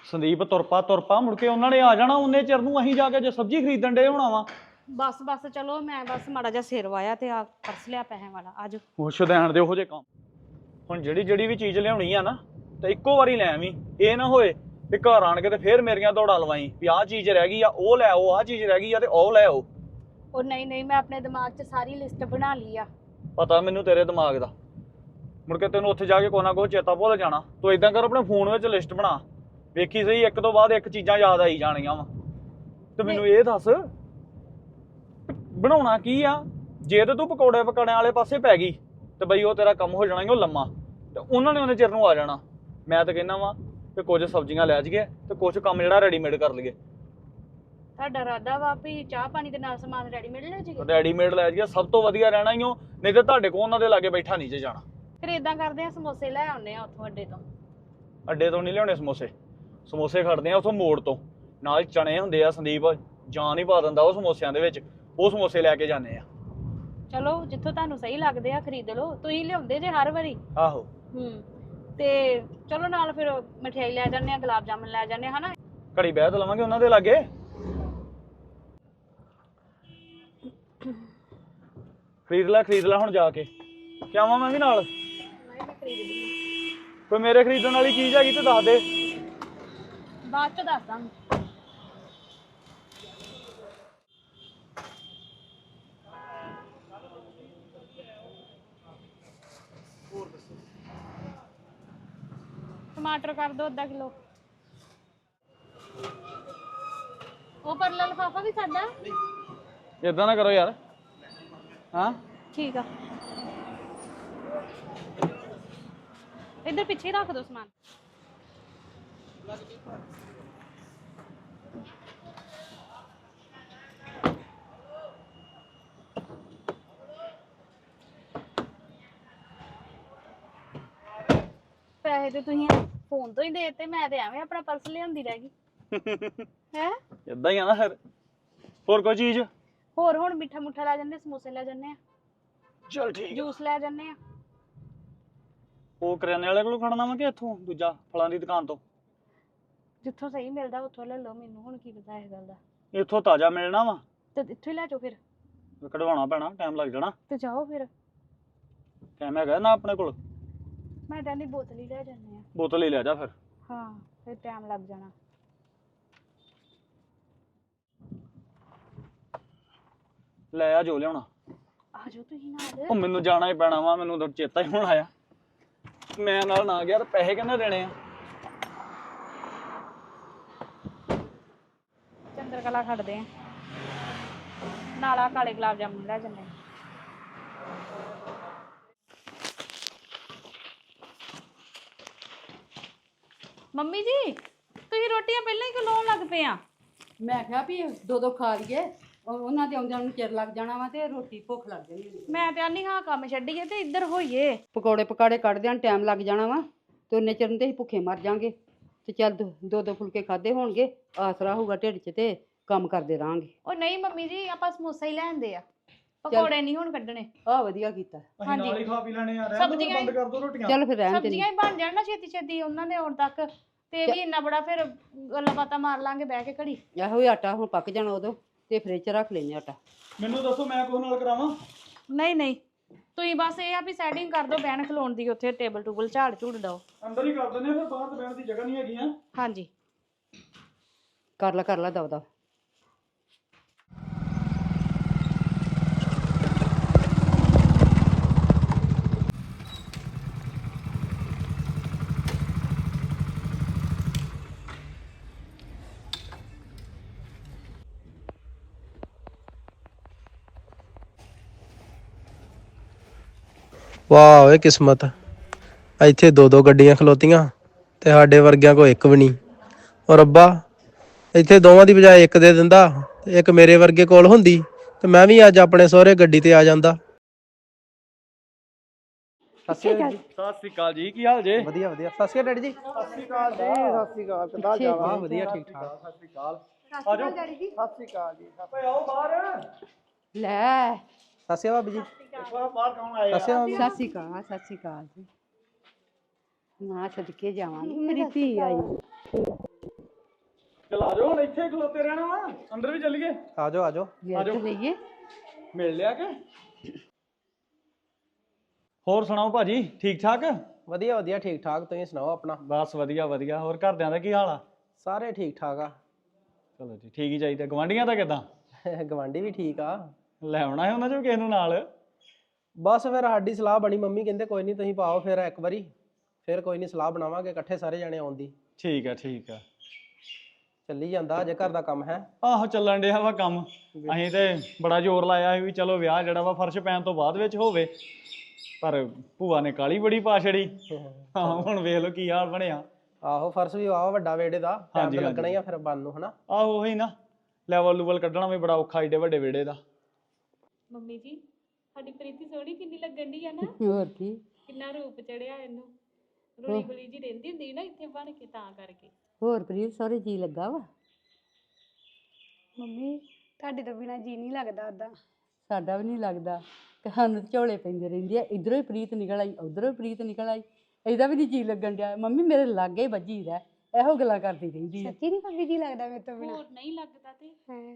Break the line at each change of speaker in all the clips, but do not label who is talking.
ਸੰਦੀਪ ਤੁਰਪਾ ਮੁੜ ਕੇ ਉਹਨਾਂ ਨੇ ਆ ਜਾਣਾ, ਉਹਨੇ ਚਿਰ ਨੂੰ ਅਸੀਂ ਜਾ ਕੇ ਜੇ ਸਬਜ਼ੀ ਖਰੀਦਣ ਡੇ ਹੋਣਾ ਵਾ।
ਬਸ ਚਲੋ ਮੈਂ ਬਸ ਮਾੜਾ ਜਿਹਾ ਸਿਰ ਵਾਇਆ ਤੇ ਆ ਪਰਸ ਲਿਆ ਪੈਸੇ ਵਾਲਾ। ਆਜੋ
ਉਹ ਸ਼ੁਦੈਣ ਦੇ ਉਹੋ ਜਿਹੇ ਕੰਮ। ਹੁਣ ਜਿਹੜੀ ਵੀ ਚੀਜ਼ ਲਿਆਉਣੀ ਆ ਨਾ ਤੇ ਇੱਕੋ ਵਾਰੀ ਲੈ ਆਵੀਂ। ਇਹ ਨਾ ਹੋਏ ਵੀ ਘਰ ਆਣ ਕੇ ਤੇ ਫੇਰ ਮੇਰੀਆਂ ਦੌੜਾਂ ਲਵਾਈ ਵੀ ਆਹ ਚੀਜ਼ ਰਹਿ ਗਈ ਆ, ਉਹ ਲੈ ਆਓ, ਆਹ ਚੀਜ਼ ਰਹਿ ਗਈ ਆ ਤੇ ਉਹ ਲੈ ਆਓ।
ਉਹ ਨਹੀਂ ਮੈਂ ਆਪਣੇ ਦਿਮਾਗ 'ਚ ਸਾਰੀ ਲਿਸਟ ਬਣਾ ਲਈ ਆ।
ਪਤਾ ਮੈਨੂੰ ਤੇਰੇ ਦਿਮਾਗ ਦਾ। ਮੁੜ ਕੇ ਤੈਨੂੰ ਉੱਥੇ ਜਾ ਕੇ ਕੋਈ ਨਾ ਕੋਈ ਚੇਤਾ ਭੁੱਲ ਜਾਣਾ। ਤੂੰ ਇਦਾਂ ਕਰ, ਆਪਣੇ ਫੋਨ ਵਿੱਚ ਲਿਸਟ ਬਣਾ, ਵੇਖੀ ਸਹੀ ਇੱਕ ਤੋਂ ਬਾਅਦ ਇੱਕ ਚੀਜ਼ਾਂ ਯਾਦ ਆਈ ਜਾਣੀਆਂ ਵਾ। ਤੇ ਮੈਨੂੰ ਇਹ ਦੱਸ ਬਣਾਉਣਾ ਕੀ ਆ? ਜੇ ਤੇ ਤੂੰ ਪਕੌੜੇ ਪਕਾੜਿਆਂ ਵਾਲੇ ਪਾਸੇ ਪੈ ਗਈ ਤੇ ਬਈ ਉਹ ਤੇਰਾ ਕੰਮ ਹੋ ਜਾਣਾ ਹੀ ਉਹ ਲੰਮਾ, ਤੇ ਉਹਨਾਂ ਨੇ ਉਹਨੇ ਚਿਰ ਨੂੰ ਆ ਜਾਣਾ। ਮੈਂ ਤਾਂ ਕਹਿੰਦਾ ਵਾ ਕਿ ਕੁਝ ਸਬਜ਼ੀਆਂ ਲੈ ਜਾਈਏ ਤੇ ਕੁਝ ਕੰਮ ਜਿਹੜਾ ਰੈਡੀਮੇਡ ਕਰ ਲਈਏ।
ਤੁਹਾਡਾ ਇਰਾਦਾ ਵਾ ਵੀ ਚਾਹ ਪਾਣੀ ਦੇ ਨਾਲ ਸਮਾਨ ਰੈਡੀਮੇਡ ਲੈ ਜਾਈਏ?
ਰੈਡੀਮੇਡ ਲੈ ਜਾਈਏ, ਸਭ ਤੋਂ ਵਧੀਆ ਰਹਿਣਾ ਹੀ ਉਹ। ਨਹੀਂ ਤੇ ਤੁਹਾਡੇ ਕੋਲ ਉਹਨਾਂ ਦੇ ਲਾਗੇ ਬੈਠਾ ਨਹੀਂ ਜੇ ਜਾਣਾ।
ਫਿਰ ਇਦਾਂ ਕਰਦੇ ਆ, ਸਮੋਸੇ ਲੈ ਆਉਨੇ ਆ ਉੱਥੋਂ ਅੱਡੇ ਤੋਂ।
ਅੱਡੇ ਤੋਂ ਨਹੀਂ ਲਿਆਉਣੇ ਸਮੋਸੇ ਖੜਦੇ ਆ ਉੱਥੋਂ ਮੋੜ ਤੋਂ। ਨਾਲ ਚਣੇ ਹੁੰਦੇ ਆ ਸੰਦੀਪ, ਜਾਨ ਹੀ ਪਾ ਦਿੰਦਾ ਉਹ ਸਮੋਸਿਆਂ ਦੇ ਵਿੱਚ। ਉਹ ਸਮੋਸੇ ਲੈ ਕੇ ਜਾਂਦੇ ਆ।
ਚਲੋ ਜਿੱਥੋਂ ਤੁਹਾਨੂੰ ਸਹੀ ਲੱਗਦੇ ਆ ਖਰੀਦ ਲਓ। ਤੁਸੀਂ ਲਿਆਉਂਦੇ ਜੇ ਹਰ ਵਾਰੀ।
ਆਹੋ।
ਤੇ ਚਲੋ ਨਾਲ ਫਿਰ ਮਠਿਆਈ ਲੈ ਜਾਂਦੇ ਆ, ਗੁਲਾਬ ਜਾਮਨ ਲੈ ਜਾਂਦੇ ਆ, ਹਨਾ।
ਘੜੀ ਬਹਿ ਤਾਂ ਲਵਾਂਗੇ ਉਹਨਾਂ ਦੇ ਲਾਗੇ। ਖਰੀਦ ਲੈ ਹੁਣ ਜਾ ਕੇ। ਕਿਆਵਾਂ ਮੈਂ ਵੀ ਨਾਲ?
ਮੈਂ ਖਰੀਦਦੀ
ਕੋਈ ਮੇਰੇ ਖਰੀਦਣ ਵਾਲੀ ਚੀਜ਼ ਹੈਗੀ ਤੇ ਦੱਸ ਦੇ।
ਬਾਅਦ ਚ ਦੱਸਦਾ। टमाटर कर दो आधा किलो। वो परला लिफाफा भी साडा।
इदां ना करो यार। हाँ
ठीक है, इधर पीछे रख दो सामान। पैसे तो तुसीं फोन तो ही देते, मैं ते एवें अपना पर्स लियांदी रह गई है।
इदां ही आ ना फिर। होर कोई चीज?
होर हुण मिठा मुठा लै जन्ने, समोसे लै जन्ने आ,
चल ठीक।
जूस लै जन्ने आ।
ਉਹ ਕਰਿਆਨੇ ਵਾਲੇ ਕੋਲੋਂ ਖੜਨਾ ਵਾ ਕਿ ਇੱਥੋਂ ਦੂਜਾ ਫਲਾਂ ਦੀ ਦੁਕਾਨ ਤੋਂ?
ਜਿੱਥੋਂ ਸਹੀ ਮਿਲਦਾ ਉੱਥੋਂ ਲੈ ਲਓ। ਮੈਨੂੰ ਹੁਣ ਕੀ ਪਤਾ ਇਸ ਗੱਲ ਦਾ।
ਇੱਥੋਂ ਤਾਜ਼ਾ ਮਿਲਣਾ ਵਾ
ਤੇ ਇੱਥੋਂ ਹੀ ਲੈ ਜਾਓ। ਫਿਰ
ਕਢਵਾਉਣਾ ਪੈਣਾ, ਟਾਈਮ ਲੱਗ ਜਾਣਾ।
ਤੇ ਜਾਓ ਫਿਰ।
ਟਾਈਮ ਹੈਗਾ ਨਾ ਆਪਣੇ ਕੋਲ?
ਮੈਂ ਕਹਿੰਦੀ ਬੋਤਲ ਹੀ ਲੈ ਜਾਂਦੇ ਆ।
ਬੋਤਲ ਹੀ ਲੈ ਜਾ ਫਿਰ।
ਹਾਂ ਫਿਰ ਟਾਈਮ ਲੱਗ ਜਾਣਾ।
ਲੈ ਆ ਜੋ ਲਿਆਉਣਾ।
ਆ ਜਾਓ ਤੁਸੀਂ ਨਾਲ।
ਉਹ ਮੈਨੂੰ ਜਾਣਾ ਹੀ ਪੈਣਾ ਵਾ, ਮੈਨੂੰ ਤਾਂ ਚੇਤਾ ਹੀ ਹੁਣ ਆਇਆ। ਮੈਂ ਨਾਲ ਨਾ ਗਿਆ ਤੇ ਪੈਸੇ ਕਿੰਨੇ ਦੇਣੇ ਆ?
ਚੰਦਰਕਲਾ ਖੜਦੇ ਆ ਨਾਲ। ਆ ਕਾਲੇ ਗੁਲਾਬ ਜਾਮੁਨ ਲੈ ਜਾਂਦੇ ਆ। ਮੰਮੀ ਜੀ ਤੁਸੀਂ ਰੋਟੀਆਂ ਪਹਿਲਾਂ ਹੀ ਲਾਉਣ ਲੱਗ ਪਏ ਆ?
ਮੈਂ ਕਿਹਾ ਵੀ ਦੋ ਖਾ ਲਈਏ, ਉਹਨਾਂ ਦੇ ਆਉਂਦਿਆਂ ਨੂੰ ਚਿਰ ਲੱਗ ਜਾਣਾ ਵਾ ਤੇ ਰੋਟੀ ਭੁੱਖ ਲੱਗ ਜਾਣੀ।
ਮੈਂ ਤੇ ਆਨੀ ਹਾਂ ਕੰਮ ਛੱਡੀਏ ਤੇ ਇੱਧਰ ਹੋਈਏ।
ਪਕੌੜੇ ਪਕਾੜੇ ਕੱਢਦਿਆਂ ਟਾਈਮ ਲੱਗ ਜਾਣਾ ਵਾ ਤੇ ਉਹਨੇ ਚਿਰ ਨੂੰ ਤੇ ਅਸੀਂ ਭੁੱਖੇ ਮਰ ਜਾਾਂਗੇ। ਤੇ ਚੱਲ ਦੋ ਫੁਲਕੇ ਖਾਦੇ ਹੋਣਗੇ, ਆਸਰਾ ਹੋਊਗਾ ਢਿੱਡ 'ਚ ਤੇ ਕੰਮ ਕਰਦੇ ਰਹਾਂਗੇ।
ਉਹ ਨਹੀਂ ਮੰਮੀ ਜੀ, ਆਪਾਂ ਸਮੋਸੇ ਹੀ ਲੈਂਦੇ ਆ, ਪਕੌੜੇ ਨਹੀਂ ਹੁਣ ਕੱਢਣੇ।
ਆਹ ਵਧੀਆ ਕੀਤਾ।
ਅਸੀਂ ਨਾਲ ਹੀ ਖਾ ਪੀ ਲੈਣੇ ਆ।
ਸਬਜ਼ੀਆਂ
ਬੰਦ ਕਰ ਦੋ ਰੋਟੀਆਂ।
ਚੱਲ ਫਿਰ ਰਹਿਣ ਤੇ
ਸਬਜ਼ੀਆਂ ਹੀ ਬਣ ਜਾਣ ਨਾ ਛੇਤੀ ਉਹਨਾਂ ਦੇ ਆਉਣ ਤੱਕ। ਤੇ ਵੀ ਇੰਨਾ ਬੜਾ ਫਿਰ ਗੱਲਾਂ ਬਾਤਾਂ ਮਾਰ ਲਾਂਗੇ ਬਹਿ ਕੇ ਘੜੀ।
ਇਹੋ ਹੀ ਆਟਾ ਹੁਣ ਪੱਕ ਜਾਣਾ ਉਦੋਂ ਤੇ ਫ੍ਰਿਜ 'ਚ ਰੱਖ ਲੈਨੇ ਆਟਾ।
ਮੈਨੂੰ ਦੱਸੋ ਮੈਂ ਕੋਹ ਨਾਲ ਕਰਾਵਾਂ?
ਨਹੀਂ ਤੁਸੀਂ ਬਸ ਇਹ ਆ ਵੀ ਸੈਟਿੰਗ ਕਰ ਦਿਓ ਬਹਿਣ ਖਲੋਣ ਦੀ, ਉੱਥੇ ਟੇਬਲ ਟੂਬਲ ਝਾੜ ਝੂੜ ਦਿਓ।
ਅੰਦਰ ਹੀ ਕਰ ਦਿੰਦੇ ਆ, ਫਿਰ ਬਾਹਰ ਬਹਿਣ ਦੀ ਜਗ੍ਹਾ ਨਹੀਂ ਹੈਗੀ ਆ।
ਹਾਂਜੀ
ਕਰ ਲਾ ਦਵਦਾ।
ਵਾਹ ਓਏ ਕਿਸਮਤ, ਇੱਥੇ ਦੋ ਗੱਡੀਆਂ ਖਲੋਤੀਆਂ ਤੇ ਸਾਡੇ ਵਰਗਿਆਂ ਕੋ ਇੱਕ ਵੀ ਨਹੀਂ। ਔਰ ਰੱਬਾ ਇੱਥੇ ਦੋਵਾਂ ਦੀ ਬਜਾਏ ਇੱਕ ਦੇ ਦਿੰਦਾ ਤੇ ਇੱਕ ਮੇਰੇ ਵਰਗੇ ਕੋਲ ਹੁੰਦੀ ਤੇ ਮੈਂ ਵੀ ਅੱਜ ਆਪਣੇ ਸਹੁਰੇ ਗੱਡੀ ਤੇ ਆ ਜਾਂਦਾ।
ਸਤਿ ਸ਼੍ਰੀ ਅਕਾਲ ਜੀ, ਕੀ ਹਾਲ ਜੇ?
ਵਧੀਆ ਸਤਿ ਸ਼੍ਰੀ ਅਕਾਲ ਡੈਡੀ ਜੀ।
ਸਤਿ ਸ਼੍ਰੀ ਅਕਾਲ ਜੀ। ਸਤਿ ਸ਼੍ਰੀ ਅਕਾਲ, ਕਿੱਦਾਂ ਜਾਵਾ?
ਵਧੀਆ ਠੀਕ ਠਾਕ।
ਸਤਿ ਸ਼੍ਰੀ ਅਕਾਲ। ਆਜੋ ਡੈਡੀ ਜੀ। ਸਤਿ ਸ਼੍ਰੀ ਅਕਾਲ ਜੀ। ਓਏ ਆਓ ਬਾਹਰ।
ਲੈ
ਸਤਿ ਸ਼੍ਰੀ ਅਕਾਲ ਭਾਬੀ ਜੀ।
ਬਾਹਰ ਕੌਣ ਆਏ ਆ?
ਸਤਿ ਸ਼੍ਰੀ ਅਕਾਲ ਜੀ। ਨਾ ਸਦਕੇ ਜਾਵਾਂਗੀ, ਮੇਰੀ ਧੀ ਆਈ।
ਚਲ ਆ ਜਾਓ ਹੁਣ ਇੱਥੇ ਖਲੋਤੇ ਰਹਿਣਾ ਵਾ ਅੰਦਰ ਵੀ ਚੱਲੀਏ
ਆ ਜਾਓ ਆ ਜਾਓ
ਵੇਖ ਲਈਏ
ਮਿਲ ਲਿਆ ਕਿ ਹੋਰ ਸੁਣਾਓ ਭਾਜੀ ਠੀਕ ਠਾਕ
ਵਧੀਆ ਵਧੀਆ ਠੀਕ ਠਾਕ ਤੁਸੀਂ ਸੁਣਾਓ ਆਪਣਾ
ਬਸ ਵਧੀਆ ਵਧੀਆ ਹੋਰ ਘਰਦਿਆਂ ਦਾ ਕੀ ਹਾਲ ਆ
ਸਾਰੇ ਠੀਕ ਠਾਕ ਆ
ਚਲੋ ਜੀ ਠੀਕ ਹੀ ਚਾਹੀਦਾ ਗਵਾਂਢੀਆਂ ਦਾ ਕਿਦਾਂ
ਗਵਾਂਢੀ ਵੀ ਠੀਕ ਆ
ਲੈ ਆਉਣਾ ਹੈ ਉਹਨਾਂ ਚੋਂ ਕਿਸੇ ਨੂੰ ਨਾਲ
ਬਸ ਫਿਰ ਸਾਡੀ ਸਲਾਹ ਬਣੀ ਮੰਮੀ ਕਹਿੰਦੇ ਕੋਈ ਨਹੀਂ ਤੁਸੀਂ ਪਾਓ ਫਿਰ ਇੱਕ ਵਾਰੀ ਫਿਰ ਕੋਈ ਨਹੀਂ ਸਲਾਹ ਬਣਾਵਾਂਗੇ ਇਕੱਠੇ ਸਾਰੇ ਜਾਣੇ ਆਉਣ ਦੀ
ਠੀਕ ਆ ਠੀਕ ਆ
ਚੱਲੀ ਜਾਂਦਾ ਅਜੇ ਘਰ ਦਾ ਕੰਮ ਹੈ
ਆਹੋ ਚੱਲਣ ਡਿਆ ਵਾ ਕੰਮ ਅਸੀਂ ਤੇ ਬੜਾ ਜ਼ੋਰ ਲਾਇਆ ਸੀ ਵੀ ਚਲੋ ਵਿਆਹ ਜਿਹੜਾ ਵਾ ਫਰਸ਼ ਪੈਣ ਤੋਂ ਬਾਅਦ ਵਿੱਚ ਹੋਵੇ ਪਰ ਭੂਆ ਨੇ ਕਾਲੀ ਬੜੀ ਪਾ ਛੜੀ ਹਾਂ ਹੁਣ ਵੇਖ ਲਓ ਕੀ ਹਾਲ ਬਣਿਆ
ਆਹੋ ਫਰਸ਼ ਵੀ ਵਾਹ ਵੱਡਾ ਵੇੜੇ ਦਾ ਟਾਈਮ
ਹਾਂਜੀ,
ਤਾਂ ਲੱਗਣਾ ਹੀ ਆ ਫਿਰ ਬੰਨ ਨੂੰ ਹਨਾ
ਆਹੋ ਉਹੀ ਨਾ ਲੈਵਲ ਲੂਵਲ ਕੱਢਣਾ ਵੀ ਬੜਾ ਔਖਾ ਏਡੇ ਵੱਡੇ ਵਿਹੜੇ ਦਾ
ਮੰਮੀ ਜੀ ਸਾਡੀ ਪ੍ਰੀਤੀ ਸੋਹਣੀ ਕਿੰਨੀ ਲੱਗਣ ਦੀ ਆ ਨਾ
ਹੋਰ ਕੀ
ਕਿੰਨਾ ਰੂਪ ਚੜਿਆ ਇਹਨੂੰ ਰੋਲੀ ਗੋਲੀ ਜੀ ਰਹਿੰਦੀ ਹੁੰਦੀ ਨਾ ਇੱਥੇ ਬਣ ਕੇ ਤਾਂ ਕਰਕੇ
ਹੋਰ ਪ੍ਰੀਤ ਸਹੁਰੇ ਜੀ ਲੱਗਾ ਵਾ
ਮੰਮੀ ਤੁਹਾਡੇ ਤੋਂ ਬਿਨਾ ਜੀ ਨਹੀਂ ਲੱਗਦਾ ਉਦਾਂ
ਸਾਡਾ ਵੀ ਨਹੀਂ ਲੱਗਦਾ ਤੇ ਸਾਨੂੰ ਤੇ ਝੋਲੇ ਪੈਂਦੇ ਰਹਿੰਦੇ ਆ ਇਧਰੋਂ ਹੀ ਪ੍ਰੀਤ ਨਿਕਲ ਆਈ ਉਧਰੋਂ ਹੀ ਪ੍ਰੀਤ ਨਿਕਲ ਆਈ ਇਹਦਾ ਵੀ ਨਹੀਂ ਜੀ ਲੱਗਣ ਡਿਆ ਮੰਮੀ ਮੇਰੇ ਲਾਗੇ ਹੀ ਵੱਜੀ ਰਹਿ ਇਹੋ ਗੱਲਾਂ ਕਰਦੀ ਰਹਿੰਦੀ ਆ
ਸੱਚੀ ਨਹੀਂ ਭਾਬੀ ਜੀ ਲੱਗਦਾ ਮੇਰੇ ਤੋਂ ਬਿਨਾ ਹੋਰ ਨਹੀਂ ਲੱਗਦਾ ਤੇ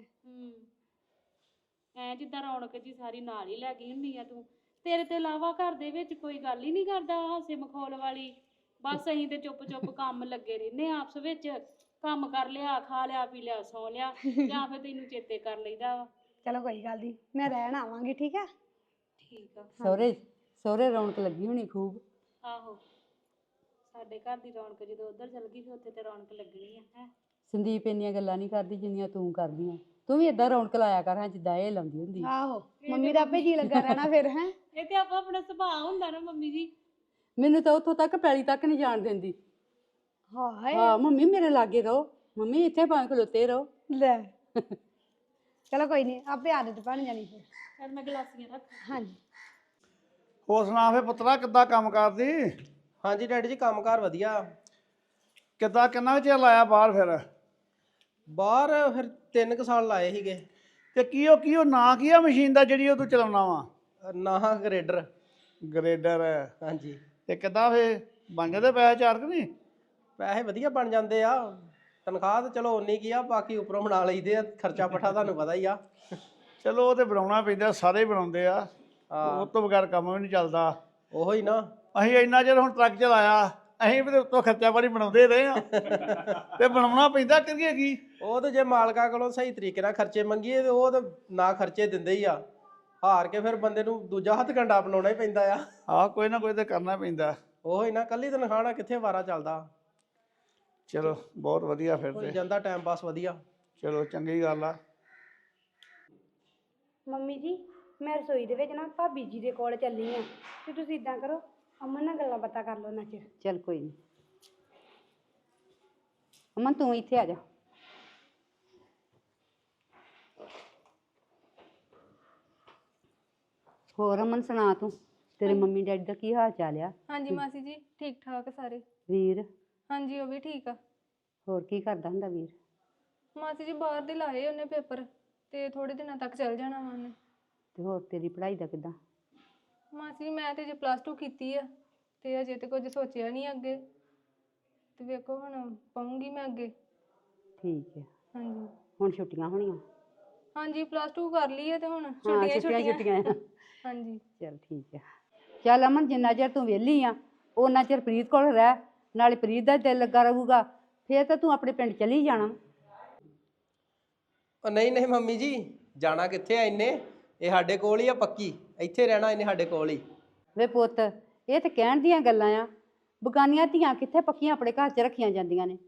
ਐ ਜਿੱਦਾਂ ਰੌਣਕ ਜੀ ਸਾਰੀ ਨਾਲ ਹੀ ਲੈ ਗਈ ਹੁੰਦੀ ਆ ਤੂੰ ਤੇਰੇ ਤੋਂ ਇਲਾਵਾ ਘਰ ਦੇ ਵਿੱਚ ਕੋਈ ਗੱਲ ਹੀ ਨਹੀਂ ਕਰਦਾ ਹਾਸੇ ਮਖੌਲ ਵਾਲੀ ਬਸ ਅਸੀਂ ਤੇ ਚੁੱਪ ਚੁੱਪ ਕੰਮ ਲੱਗੇ ਰਹਿੰਦੇ ਆ ਆਪਸ ਵਿੱਚ ਕੰਮ ਕਰ ਲਿਆ ਖਾ ਲਿਆ ਪੀ ਲਿਆ ਸੌ ਲਿਆ ਜਾਂ ਫਿਰ ਤੈਨੂੰ ਚੇਤੇ ਕਰ ਲਈਦਾ ਵਾ
ਚਲੋ ਕੋਈ ਗੱਲ ਨਹੀਂ ਮੈਂ ਰਹਿਣ ਆਵਾਂਗੀ ਠੀਕ ਆ
ਠੀਕ ਆ
ਸਹੁਰੇ ਰੌਣਕ ਲੱਗੀ ਹੋਣੀ ਖੂਬ
ਆਹੋ ਸਾਡੇ ਘਰ ਦੀ ਰੌਣਕ ਜਦੋਂ ਉਧਰ ਚਲ ਗਈ ਫਿਰ ਉੱਥੇ ਤੇ ਰੌਣਕ ਲੱਗਣੀ ਆ ਹੈ
ਸੰਦੀਪ ਇੰਨੀਆਂ ਗੱਲਾਂ ਨਹੀਂ ਕਰਦੀ ਜਿੰਨੀਆਂ ਤੂੰ ਕਰਦੀ ਆ ਤੂੰ ਵੀ ਏਦਾਂ ਰੌਣਕ ਲਾਇਆ ਕਰ ਹਾਂ ਜਿੱਦਾਂ ਇਹ ਲਾਉਂਦੀ ਹੁੰਦੀ
ਆਹੋ ਮੰਮੀ ਦਾ ਆਪੇ ਜੀ ਲੱਗਾ ਰਹਿਣਾ ਫਿਰ ਹੈ
ਇਹ ਤੇ ਆਪੋ ਆਪਣਾ ਸੁਭਾਅ ਹੁੰਦਾ ਨਾ ਮੰਮੀ ਜੀ
ਮੈਨੂੰ ਤਾਂ ਉੱਥੋਂ ਤੱਕ ਪੈਲੀ ਤੱਕ ਨਹੀਂ ਜਾਣ ਦਿੰਦੀ
ਹਾਏ
ਹਾਂ ਮੰਮੀ ਮੇਰੇ ਲਾਗੇ ਰਹੋ ਮੰਮੀ ਇੱਥੇ ਭਾਵੇਂ ਖਲੋਤੇ ਰਹੋ
ਲੈ ਚਲੋ ਕੋਈ ਨਹੀਂ ਆਪੇ ਆਦਤ ਬਣ ਜਾਣੀ ਫਿਰ
ਫਿਰ ਮੈਂ ਗਲਾਸੀਆਂ ਰੱਖ
ਹਾਂਜੀ
ਹੋਰ ਸੁਣਾ ਫੇ ਪੁੱਤਰਾ ਕਿੱਦਾਂ ਕੰਮ ਕਰਦੀ
ਹਾਂਜੀ ਡੈਡੀ ਜੀ ਕੰਮਕਾਰ ਵਧੀਆ
ਕਿੱਦਾਂ ਕਿੰਨਾ ਕੁ ਚਿਰ ਲਾਇਆ ਬਾਹਰ ਫਿਰ
ਬਾਹਰ ਫਿਰ 3 ਕੁ ਸਾਲ ਲਾਏ ਸੀਗੇ
ਤੇ ਕੀ ਉਹ ਨਾਂ ਕੀ ਆ ਮਸ਼ੀਨ ਦਾ ਜਿਹੜੀ ਉਹ ਤੂੰ ਚਲਾਉਣਾ ਵਾ
ਨਾਹਾਂ ਗ੍ਰੇਡਰ
ਗ੍ਰੇਡਰ
ਹਾਂਜੀ
ਤੇ ਕਿੱਦਾਂ ਫੇ ਬਣ ਜਾਂਦੇ ਪੈਸੇ ਚਾਰ ਕਿ ਨਹੀਂ
ਪੈਸੇ ਵਧੀਆ ਬਣ ਜਾਂਦੇ ਆ ਤਨਖਾਹ ਤਾਂ ਚਲੋ ਉਨੀ ਕੀ ਆ ਬਾਕੀ ਉੱਪਰੋਂ ਬਣਾ ਲਈਦੇ ਆ ਖਰਚਾ ਪੱਠਾ ਤੁਹਾਨੂੰ ਪਤਾ ਹੀ ਆ
ਚਲੋ ਉਹ ਤੇ ਬਣਾਉਣਾ ਪੈਂਦਾ ਸਾਰੇ ਹੀ ਬਣਾਉਂਦੇ ਆ
ਹਾਂ
ਉਹ ਤੋਂ ਬਗੈਰ ਕੰਮ ਵੀ ਨਹੀਂ ਚੱਲਦਾ
ਉਹੋ ਹੀ ਨਾ
ਅਸੀਂ ਇੰਨਾ ਚਿਰ ਹੁਣ ਟਰੱਕ ਚਲਾਇਆ ਅਸੀਂ ਵੀ ਉੱਤੋਂ ਖਰਚਾ ਪਾਣੀ ਬਣਾਉਂਦੇ ਰਹੇ ਆ ਤੇ ਬਣਾਉਣਾ ਪੈਂਦਾ ਕਰੀਏ ਕੀ
ਉਹ ਤਾਂ ਜੇ ਮਾਲਕਾਂ ਕੋਲੋਂ ਸਹੀ ਤਰੀਕੇ ਨਾਲ ਖਰਚੇ ਮੰਗੀਏ ਤੇ ਉਹ ਤਾਂ ਨਾ ਖਰਚੇ ਦਿੰਦੇ ਹੀ ਆ ਹਾਰ ਕੇ ਫਿਰ ਬੰਦੇ ਨੂੰ ਦੂਜਾ ਹੱਥ ਕੰਡਾ ਅਪਣਾਉਣਾ ਹੀ ਪੈਂਦਾ ਆ
ਆਹ ਕੋਈ ਨਾ ਕੋਈ ਤੇ ਕਰਨਾ ਪੈਂਦਾ
ਉਹੋ ਹੀ ਨਾ ਕੱਲੀ ਤਨਖਾਹ ਨਾਲ ਕਿੱਥੇ ਵਾਰਾ ਚੱਲਦਾ
ਚਲੋ ਬਹੁਤ ਵਧੀਆ ਫਿਰ
ਹੋ
ਤੇ
ਜਾਂਦਾ ਟਾਈਮ ਪਾਸ ਵਧੀਆ
ਚਲੋ ਚੰਗੀ ਗੱਲ ਆ
ਮੰਮੀ ਜੀ ਮੈਂ ਰਸੋਈ ਦੇ ਵਿੱਚ ਨਾ ਭਾਬੀ ਜੀ ਦੇ ਕੋਲ ਚੱਲੀ ਆ ਤੇ ਤੁਸੀਂ ਇਦਾਂ ਕਰੋ ਅਮਨ ਨਾਲ ਗੱਲਾਂ ਬਾਤਾਂ ਕਰ ਲਓ ਨਾ ਚਿਰ
ਚੱਲ ਕੋਈ ਨਹੀਂ ਅਮਨ ਤੂੰ ਇੱਥੇ ਆ ਜਾ ਹੋਰ ਅਮਨ ਸੁਣਾ ਤੂੰ ਤੇਰੇ ਮੰਮੀ ਡੈਡੀ ਦਾ ਕੀ ਹਾਲ ਚਾਲ ਆ
ਹਾਂਜੀ ਮਾਸੀ ਜੀ ਠੀਕ ਠਾਕ ਸਾਰੇ
ਵੀਰ
ਹਾਂਜੀ ਉਹ ਵੀ ਠੀਕ ਆ
ਹੋਰ ਕੀ ਕਰਦਾ ਹੁੰਦਾ ਵੀਰ
ਮਾਸੀ ਜੀ ਬਾਹਰ ਦੇ ਲਾਏ ਉਹਨੇ ਪੇਪਰ ਤੇ ਥੋੜੇ ਦਿਨਾਂ ਤੱਕ ਚੱਲ ਜਾਣਾ ਵਾ ਉਹਨੇ
ਤੇ ਹੋਰ ਤੇਰੀ ਪੜ੍ਹਾਈ ਦਾ ਕਿੱਦਾਂ
ਮਾਸੀ ਜੀ ਮੈਂ ਤੇ ਜੇ +2 ਕੀਤੀ ਆ ਤੇ ਅਜੇ ਤੇ ਕੁਝ ਸੋਚਿਆ ਨਹੀਂ ਅੱਗੇ ਤੇ ਵੇਖੋ ਹੁਣ ਪਾਉਂਗੀ ਮੈਂ ਅੱਗੇ
ਠੀਕ ਹੈ
ਹਾਂਜੀ
ਹੁਣ ਛੁੱਟੀਆਂ ਹੋਣੀਆਂ
ਹਾਂਜੀ +2 ਕਰ ਲਈ ਹੈ ਤੇ ਹੁਣ
ਹਾਂ
ਛੁੱਟੀਆਂ
ਆ
ਹਾਂਜੀ
ਚੱਲ ਠੀਕ ਹੈ ਚੱਲ ਅਮਨ ਜਿੰਨਾ ਚਿਰ ਤੂੰ ਵਿਹਲੀ ਆ ਉਹਨਾਂ ਚਿਰ ਪ੍ਰੀਤ ਕੋਲ ਰਹਿ ਨਾਲੇ ਪ੍ਰੀਤ ਦਾ ਦਿਲ ਲੱਗਾ ਰਹੂਗਾ ਫੇਰ ਤਾਂ ਤੂੰ ਆਪਣੇ ਪਿੰਡ ਚਲੀ ਜਾਣਾ
ਉਹ ਨਹੀਂ ਨਹੀਂ ਮੰਮੀ ਜੀ ਜਾਣਾ ਕਿੱਥੇ ਆ ਇੰਨੇ ਇਹ ਸਾਡੇ ਕੋਲ ਹੀ ਆ ਪੱਕੀ ਇੱਥੇ ਰਹਿਣਾ ਇਹਨੇ ਸਾਡੇ ਕੋਲ ਹੀ
ਵੇ ਪੁੱਤ ਇਹ ਤਾਂ ਕਹਿਣ ਦੀਆਂ ਗੱਲਾਂ ਆ ਬਗਾਨੀਆਂ ਧੀਆਂ ਕਿੱਥੇ ਪੱਕੀਆਂ ਆਪਣੇ ਘਰ 'ਚ ਰੱਖੀਆਂ ਜਾਂਦੀਆਂ ਨੇ